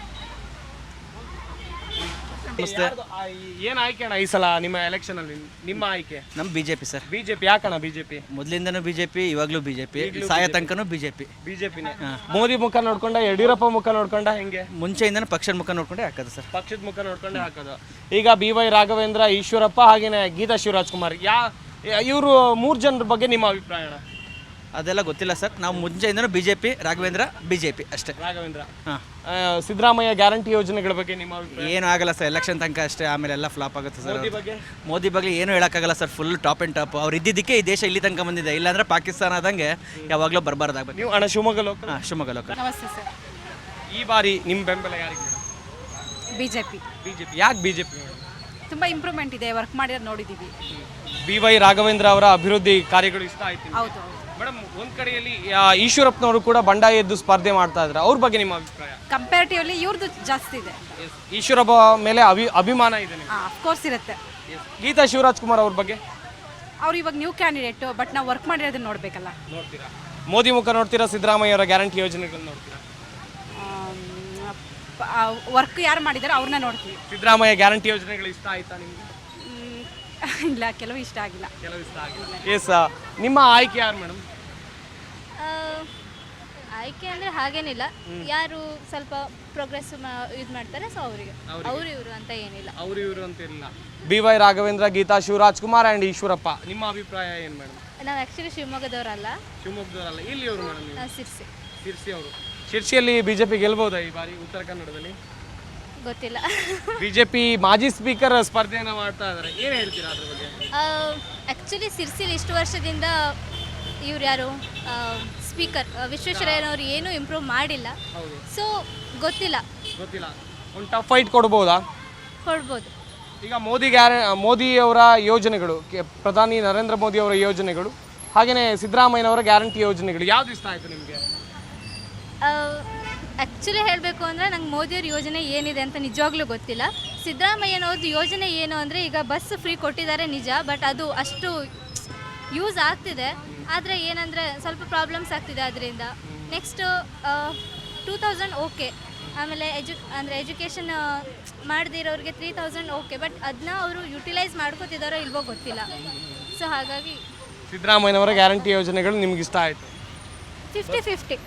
Speaker 1: ಏನ್ ಆಯ್ಕೆ ಅಣ್ಣ ಈ ಸಲ ನಿಮ್ಮ ಎಲೆಕ್ಷನ್ ಅಲ್ಲಿ? ನಿಮ್ಮ ಆಯ್ಕೆ?
Speaker 15: ನಮ್ಮ ಬಿಜೆಪಿ ಸರ್.
Speaker 1: ಬಿಜೆಪಿ. ಯಾಕಣ್ಣ ಬಿಜೆಪಿ?
Speaker 15: ಮೊದಲಿಂದನೂ ಬಿಜೆಪಿ, ಇವಾಗಲೂ ಬಿಜೆಪಿ, ಸಾಯ ತನಕನೂ ಬಿಜೆಪಿ.
Speaker 1: ಬಿಜೆಪಿನೇ. ಮೋದಿ ಮುಖ ನೋಡ್ಕೊಂಡ, ಯಡಿಯೂರಪ್ಪ ಮುಖ ನೋಡ್ಕೊಂಡ, ಹೆಂಗೆ?
Speaker 15: ಮುಂಚೆಯಿಂದನೂ ಪಕ್ಷದ ಮುಖ ನೋಡ್ಕೊಂಡೇ ಹಾಕೋದು ಸರ್.
Speaker 1: ಪಕ್ಷದ ಮುಖ ನೋಡ್ಕೊಂಡೇ ಹಾಕೋದು. ಈಗ BY ರಾಘವೇಂದ್ರ, ಈಶ್ವರಪ್ಪ, ಹಾಗೇನೆ ಗೀತಾ ಶಿವರಾಜ್ ಕುಮಾರ್, ಇವರು 3 ಜನರ ಬಗ್ಗೆ ನಿಮ್ಮ ಅಭಿಪ್ರಾಯ?
Speaker 15: ಅದೆಲ್ಲ ಗೊತ್ತಿಲ್ಲ ಸರ್. ನಾವು ಮುಂಚೆಯಿಂದನೂ ಬಿಜೆಪಿ, ರಾಘವೇಂದ್ರ ಬಿಜೆಪಿ ಅಷ್ಟೇ.
Speaker 1: ರಾಘವೇಂದ್ರ. ಸಿದ್ದರಾಮಯ್ಯ ಗ್ಯಾರಂಟಿ ಯೋಜನೆಗಳ ಬಗ್ಗೆ ನಿಮ್ಮ ಅಭಿಪ್ರಾಯ?
Speaker 15: ಏನೂ ಆಗಲ್ಲ ಸರ್, ಎಲೆಕ್ಷನ್ ತನಕ ಅಷ್ಟೇ, ಆಮೇಲೆ ಎಲ್ಲ ಫ್ಲಾಪ್ ಆಗುತ್ತೆ ಸರ್.
Speaker 1: ಮೋದಿ
Speaker 15: ಬಗ್ಗೆ ಏನೂ ಹೇಳೋಕ್ಕಾಗಲ್ಲ sir. Full top and top. ಅವ್ರು ಇದ್ದಿದ್ದಕ್ಕೆ ಈ ದೇಶ ಇಲ್ಲಿ ತನಕ ಬಂದಿದೆ. ಇಲ್ಲಾಂದ್ರೆ ಪಾಕಿಸ್ತಾನ ಆದಂಗೆ ಯಾವಾಗಲೂ ಬರಬಾರ್ದಾಗಬೇಕು.
Speaker 1: ನೀವು ಅಣ್ಣ ಶಿವಮೊಗ್ಗ ಲೋಕ?
Speaker 15: ಶಿವಮೊಗ್ಗ ಲೋಕ.
Speaker 7: ನಮಸ್ತೆ ಸರ್.
Speaker 1: ಈ ಬಾರಿ ನಿಮ್ಮ ಬೆಂಬಲ ಯಾರಿಗೆ?
Speaker 7: ಬಿಜೆಪಿ.
Speaker 1: ಯಾಕೆ ಬಿಜೆಪಿ?
Speaker 7: ತುಂಬ ಇಂಪ್ರೂವ್ಮೆಂಟ್ ಇದೆ, ವರ್ಕ್ ಮಾಡಿರೋದು ನೋಡಿದ್ದೀವಿ.
Speaker 1: BY ರಾಘವೇಂದ್ರ ಅವರ ಅಭಿವೃದ್ಧಿ ಕಾರ್ಯಗಳು ಇಷ್ಟ ಆಯ್ತು?
Speaker 7: ಹೌದು.
Speaker 1: ಮೇಡಮ್, ಒಂದ್ ಕಡೆಯಲ್ಲಿ ಈಶ್ವರಪ್ಪನವರು ಕೂಡ ಬಂಡಾಯ ಎದ್ದು ಸ್ಪರ್ಧೆ ಮಾಡ್ತಾ ಇದ್ದಾರೆ, ಅವ್ರ ಬಗ್ಗೆ ನಿಮ್ಮ ಅಭಿಪ್ರಾಯ?
Speaker 7: ಕಂಪ್ಯಾರಿಟಿವ್ಲಿ ಇವ್ರದ್ದು ಜಾಸ್ತಿ ಇದೆ.
Speaker 1: ಈಶ್ವರಪ್ಪ ಮೇಲೆ ಅಭಿಮಾನ ಇದೆ?
Speaker 7: ಅಫ್ಕೋರ್ಸ್ ಇರುತ್ತೆ.
Speaker 1: ಗೀತಾ ಶಿವರಾಜ್ ಕುಮಾರ್ ಅವ್ರ ಬಗ್ಗೆ?
Speaker 7: ಅವ್ರು ಇವಾಗ ನ್ಯೂ ಕ್ಯಾಂಡಿಡೇಟು, ಬಟ್ ನಾವು ವರ್ಕ್ ಮಾಡಿರೋದನ್ನ ನೋಡಬೇಕಲ್ಲ.
Speaker 1: ನೋಡ್ತೀರಾ? ಮೋದಿ ಮುಖ ನೋಡ್ತೀರಾ, ಸಿದ್ದರಾಮಯ್ಯ ಅವರ ಗ್ಯಾರಂಟಿ ಯೋಜನೆಗಳನ್ನ ನೋಡ್ತೀರಾ?
Speaker 7: ವರ್ಕ್ ಯಾರು ಮಾಡಿದಾರೆ ಅವ್ರನ್ನ ನೋಡ್ತೀವಿ.
Speaker 1: ಸಿದ್ದರಾಮಯ್ಯ ಗ್ಯಾರಂಟಿ ಯೋಜನೆಗಳು ಇಷ್ಟ ಆಯ್ತಾ ನಿಮ್ಗೆ?
Speaker 7: ಇಲ್ಲ, ಕೆಲವು ಇಷ್ಟ ಆಗಿಲ್ಲ.
Speaker 1: ಎಸ್. ನಿಮ್ಮ ಆಯ್ಕೆ ಯಾರು ಮೇಡಮ್?
Speaker 2: ಆಯ್ಕೆ ಅಂದರೆ ಹಾಗೇನಿಲ್ಲ, ಯಾರು ಸ್ವಲ್ಪ ಪ್ರೋಗ್ರೆಸ್ ಇದು ಮಾಡ್ತಾರೆ ಸೊ ಅವರಿಗೆ. ಅವರು ಇವರು ಅಂತ ಏನಿಲ್ಲ.
Speaker 1: ಅವರು ಇವರು ಅಂತ ಇಲ್ಲ. BY ರಾಘವೇಂದ್ರ, ಗೀತಾ ಶಿವರಾಜ್ ಕುಮಾರ್ ಆ್ಯಂಡ್ ಈಶ್ವರಪ್ಪ, ನಿಮ್ಮ ಅಭಿಪ್ರಾಯ ಏನು ಮೇಡಮ್?
Speaker 2: ನಾವು ಆ್ಯಕ್ಚುಲಿ ಶಿವಮೊಗ್ಗದವರಲ್ಲ.
Speaker 1: ಶಿವಮೊಗ್ಗದವರಲ್ಲ, ಇಲ್ಲಿ ಅವರು ಮೇಡಮ್?
Speaker 2: ನಾವು
Speaker 1: ಶಿರ್ಸಿ ಅವರು. ಶಿರ್ಸಿಯಲ್ಲಿ ಬಿಜೆಪಿ ಗೆಲ್ಬಹುದಾ ಈ ಬಾರಿ ಉತ್ತರ ಕನ್ನಡದಲ್ಲಿ?
Speaker 2: ಗೊತ್ತಿಲ್ಲ.
Speaker 1: ಬಿಜೆಪಿ ಮಾಜಿ ಸ್ಪೀಕರ್ ಸ್ಪರ್ಧೆಯನ್ನು ಮಾಡ್ತಾ ಇದ್ದಾರೆ, ಏನು ಹೇಳ್ತೀರಾ ಅದ್ರ ಬಗ್ಗೆ?
Speaker 2: ಆ್ಯಕ್ಚುಲಿ ಸಿರ್ಸಿಲಿ ಇಷ್ಟು ವರ್ಷದಿಂದ ಇವ್ರು ಯಾರು ಸ್ಪೀಕರ್ ವಿಶ್ವೇಶ್ವರಯ್ಯನವರು ಏನೂ ಇಂಪ್ರೂವ್ ಮಾಡಿಲ್ಲ. ಸೊ ಗೊತ್ತಿಲ್ಲ.
Speaker 1: ಒಂದು ಟಫ್ ಫೈಟ್ ಕೊಡ್ಬೋದಾ?
Speaker 2: ಕೊಡ್ಬೋದು.
Speaker 1: ಈಗ ಮೋದಿ ಅವರ ಯೋಜನೆಗಳು, ಪ್ರಧಾನಿ ನರೇಂದ್ರ ಮೋದಿ ಅವರ ಯೋಜನೆಗಳು, ಹಾಗೆಯೇ ಸಿದ್ದರಾಮಯ್ಯನವರ ಗ್ಯಾರಂಟಿ ಯೋಜನೆಗಳು, ಯಾವ್ದು ಇಷ್ಟ ಆಯಿತು ನಿಮಗೆ?
Speaker 2: ಆ್ಯಕ್ಚುಲಿ ಹೇಳಬೇಕು ಅಂದರೆ ನಂಗೆ ಮೋದಿಯವ್ರ ಯೋಜನೆ ಏನಿದೆ ಅಂತ ನಿಜವಾಗ್ಲೂ ಗೊತ್ತಿಲ್ಲ. ಸಿದ್ದರಾಮಯ್ಯನವ್ರದ್ದು ಯೋಜನೆ ಏನು ಅಂದರೆ, ಈಗ ಬಸ್ ಫ್ರೀ ಕೊಟ್ಟಿದ್ದಾರೆ ನಿಜ, ಬಟ್ ಅದು ಅಷ್ಟು ಯೂಸ್ ಆಗ್ತಿದೆ. ಆದರೆ ಏನಂದರೆ ಸ್ವಲ್ಪ ಪ್ರಾಬ್ಲಮ್ಸ್ ಆಗ್ತಿದೆ ಅದರಿಂದ. Next 2000 okay. ಆಮೇಲೆ ಎಜುಕೇಷನ್ ಮಾಡದಿರೋರಿಗೆ 3000 ಓಕೆ, ಬಟ್ ಅದನ್ನ ಅವರು ಯುಟಿಲೈಸ್ ಮಾಡ್ಕೋತಿದ್ದಾರೋ ಇಲ್ವೋ ಗೊತ್ತಿಲ್ಲ. ಸೊ ಹಾಗಾಗಿ
Speaker 1: ಸಿದ್ದರಾಮಯ್ಯನವರ ಗ್ಯಾರಂಟಿ ಯೋಜನೆಗಳು ನಿಮ್ಗೆ ಇಷ್ಟ ಆಯಿತು?
Speaker 2: 50-50.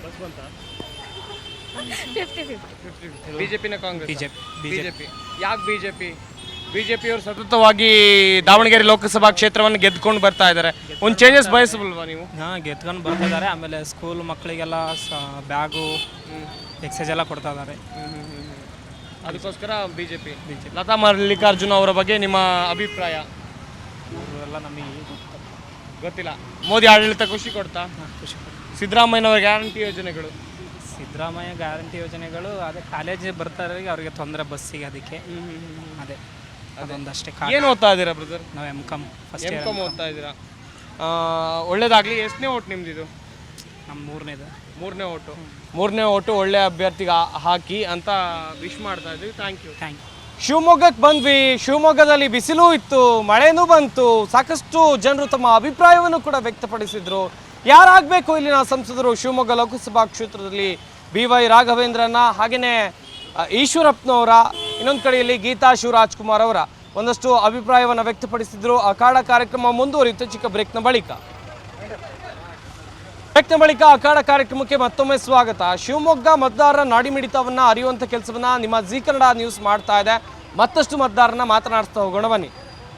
Speaker 1: ಬಿಜೆಪಿನ ಕಾಂಗ್ರೆಸ್? ಬಿಜೆಪಿ. ಯಾಕೆ ಬಿಜೆಪಿ? ಬಿಜೆಪಿಯವರು ಸತತವಾಗಿ ದಾವಣಗೆರೆ ಲೋಕಸಭಾ ಕ್ಷೇತ್ರವನ್ನು ಗೆದ್ಕೊಂಡು ಬರ್ತಾ ಇದ್ದಾರೆ, ಒಂದು ಚೇಂಜಸ್ ಬಯಸಬಲ್ವಾ ನೀವು?
Speaker 16: ಗೆದ್ಕೊಂಡು ಬರ್ತಾ ಇದ್ದಾರೆ. ಆಮೇಲೆ ಸ್ಕೂಲ್ ಮಕ್ಕಳಿಗೆಲ್ಲ ಬ್ಯಾಗು, ಎಕ್ಸೈಸ್ ಎಲ್ಲ ಕೊಡ್ತಾ ಇದ್ದಾರೆ.
Speaker 1: ಅದಕ್ಕೋಸ್ಕರ ಬಿಜೆಪಿ. ಲತಾ ಮಲ್ಲಿಕಾರ್ಜುನ ಅವರ ಬಗ್ಗೆ ನಿಮ್ಮ ಅಭಿಪ್ರಾಯ?
Speaker 16: ಎಲ್ಲ ನಮಗೆ
Speaker 1: ಗೊತ್ತಿಲ್ಲ. ಮೋದಿ ಆಡಳಿತ ಖುಷಿ ಕೊಡ್ತಾ?
Speaker 16: ಖುಷಿ.
Speaker 1: ಸಿದ್ದರಾಮಯ್ಯನವರ ಗ್ಯಾರಂಟಿ ಯೋಜನೆಗಳು?
Speaker 16: ಸಿದ್ದರಾಮಯ್ಯ ಗ್ಯಾರಂಟಿ ಯೋಜನೆಗಳು ಅದೇ ಕಾಲೇಜ್ ಬರ್ತಾರೆ ಅವ್ರಿಗೆ ತೊಂದರೆ ಬಸ್ಸಿಗೆ, ಅದಕ್ಕೆ ಅದೇ ಅದೊಂದಷ್ಟೇ.
Speaker 1: ಏನು ಓದ್ತಾ ಇದ್ದೀರಾ ಬ್ರದರ್?
Speaker 16: ನಾವು M.Com
Speaker 1: ಓದ್ತಾ ಇದ್ದೀರಾ? ಒಳ್ಳೇದಾಗಲಿ. ಎಷ್ಟನೇ ಓಟ್ ನಿಮ್ದು ಇದು?
Speaker 16: ನಮ್ಮ
Speaker 1: ಮೂರನೇ ಓಟು ಒಳ್ಳೆ ಅಭ್ಯರ್ಥಿಗೆ ಹಾಕಿ ಅಂತ ವಿಶ್ ಮಾಡ್ತಾ ಇದ್ವಿ. Thank you. ಶಿವಮೊಗ್ಗಕ್ಕೆ ಬಂದ್ವಿ. ಶಿವಮೊಗ್ಗದಲ್ಲಿ ಬಿಸಿಲು ಇತ್ತು, ಮಳೆನೂ ಬಂತು. ಸಾಕಷ್ಟು ಜನರು ತಮ್ಮ ಅಭಿಪ್ರಾಯವನ್ನು ಕೂಡ ವ್ಯಕ್ತಪಡಿಸಿದ್ರು. ಯಾರಾಗಬೇಕು ಇಲ್ಲಿನ ಸಂಸದರು ಶಿವಮೊಗ್ಗ ಲೋಕಸಭಾ ಕ್ಷೇತ್ರದಲ್ಲಿ? BY ರಾಘವೇಂದ್ರನ, ಹಾಗೆಯೇ ಈಶ್ವರಪ್ಪನವರ, ಇನ್ನೊಂದು ಕಡೆಯಲ್ಲಿ ಗೀತಾ ಶಿವರಾಜ್ಕುಮಾರ್ ಅವರ ಒಂದಷ್ಟು ಅಭಿಪ್ರಾಯವನ್ನು ವ್ಯಕ್ತಪಡಿಸಿದ್ರು. ಅಖಾಡ ಕಾರ್ಯಕ್ರಮ ಮುಂದುವರಿಯುತ್ತೆ ಚಿಕ್ಕ ಬ್ರೇಕ್ನ ಬಳಿಕ. ಅಖಾಡ ಕಾರ್ಯಕ್ರಮಕ್ಕೆ ಮತ್ತೊಮ್ಮೆ ಸ್ವಾಗತ. ಶಿವಮೊಗ್ಗ ಮತದಾರರ ನಾಡಿಮಿಡಿತವನ್ನ ಅರಿಯುವಂಥ ಕೆಲಸವನ್ನ ನಿಮ್ಮ ಜಿ ಕನ್ನಡ ನ್ಯೂಸ್ ಮಾಡ್ತಾ ಇದೆ. ಮತ್ತಷ್ಟು ಮತದಾರರನ್ನ ಮಾತನಾಡಿಸ್ತಾ ಹೋಗೋಣ ಬನ್ನಿ.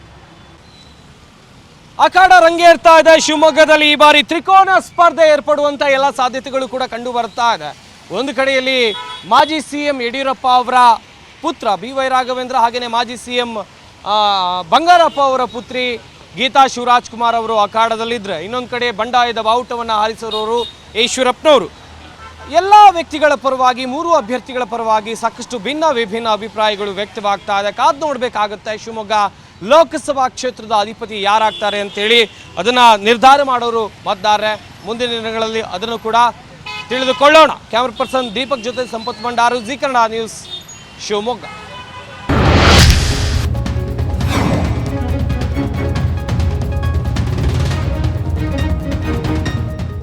Speaker 1: ಅಖಾಡ ರಂಗೇರ್ತಾ ಇದೆ ಶಿವಮೊಗ್ಗದಲ್ಲಿ. ಈ ಬಾರಿ ತ್ರಿಕೋನ ಸ್ಪರ್ಧೆ ಏರ್ಪಡುವಂತ ಎಲ್ಲ ಸಾಧ್ಯತೆಗಳು ಕೂಡ ಕಂಡು ಬರ್ತಾ ಇದೆ. ಒಂದು ಕಡೆಯಲ್ಲಿ ಮಾಜಿ CM ಯಡಿಯೂರಪ್ಪ ಅವರ ಪುತ್ರ BY ರಾಘವೇಂದ್ರ, ಹಾಗೆಯೇ ಮಾಜಿ CM ಬಂಗಾರಪ್ಪ ಅವರ ಪುತ್ರಿ ಗೀತಾ ಶಿವರಾಜ್ಕುಮಾರ್ ಅವರು ಅಖಾಡದಲ್ಲಿದ್ದರೆ, ಇನ್ನೊಂದು ಕಡೆ ಬಂಡಾಯದ ಬಾವುಟವನ್ನು ಹಾರಿಸಿರೋರು ಈಶ್ವರಪ್ಪನವರು. ಎಲ್ಲ ವ್ಯಕ್ತಿಗಳ ಪರವಾಗಿ, ಮೂರು ಅಭ್ಯರ್ಥಿಗಳ ಪರವಾಗಿ ಸಾಕಷ್ಟು ವಿಭಿನ್ನ ಅಭಿಪ್ರಾಯಗಳು ವ್ಯಕ್ತವಾಗ್ತಾ ಇದೆ. ಕಾದು ನೋಡಬೇಕಾಗುತ್ತೆ ಶಿವಮೊಗ್ಗ ಲೋಕಸಭಾ ಕ್ಷೇತ್ರದ ಅಧಿಪತಿ ಯಾರಾಗ್ತಾರೆ ಅಂತೇಳಿ. ಅದನ್ನು ನಿರ್ಧಾರ ಮಾಡೋರು ಮತದಾರರೇ. ಮುಂದಿನ ದಿನಗಳಲ್ಲಿ ಅದನ್ನು ಕೂಡ ತಿಳಿದುಕೊಳ್ಳೋಣ. ಕ್ಯಾಮರಾ ಪರ್ಸನ್ ದೀಪಕ್ ಜೊತೆ ಸಂಪತ್ ಭಂಡಾರು, ಜಿ ಕನ್ನಡ ನ್ಯೂಸ್, ಶಿವಮೊಗ್ಗ.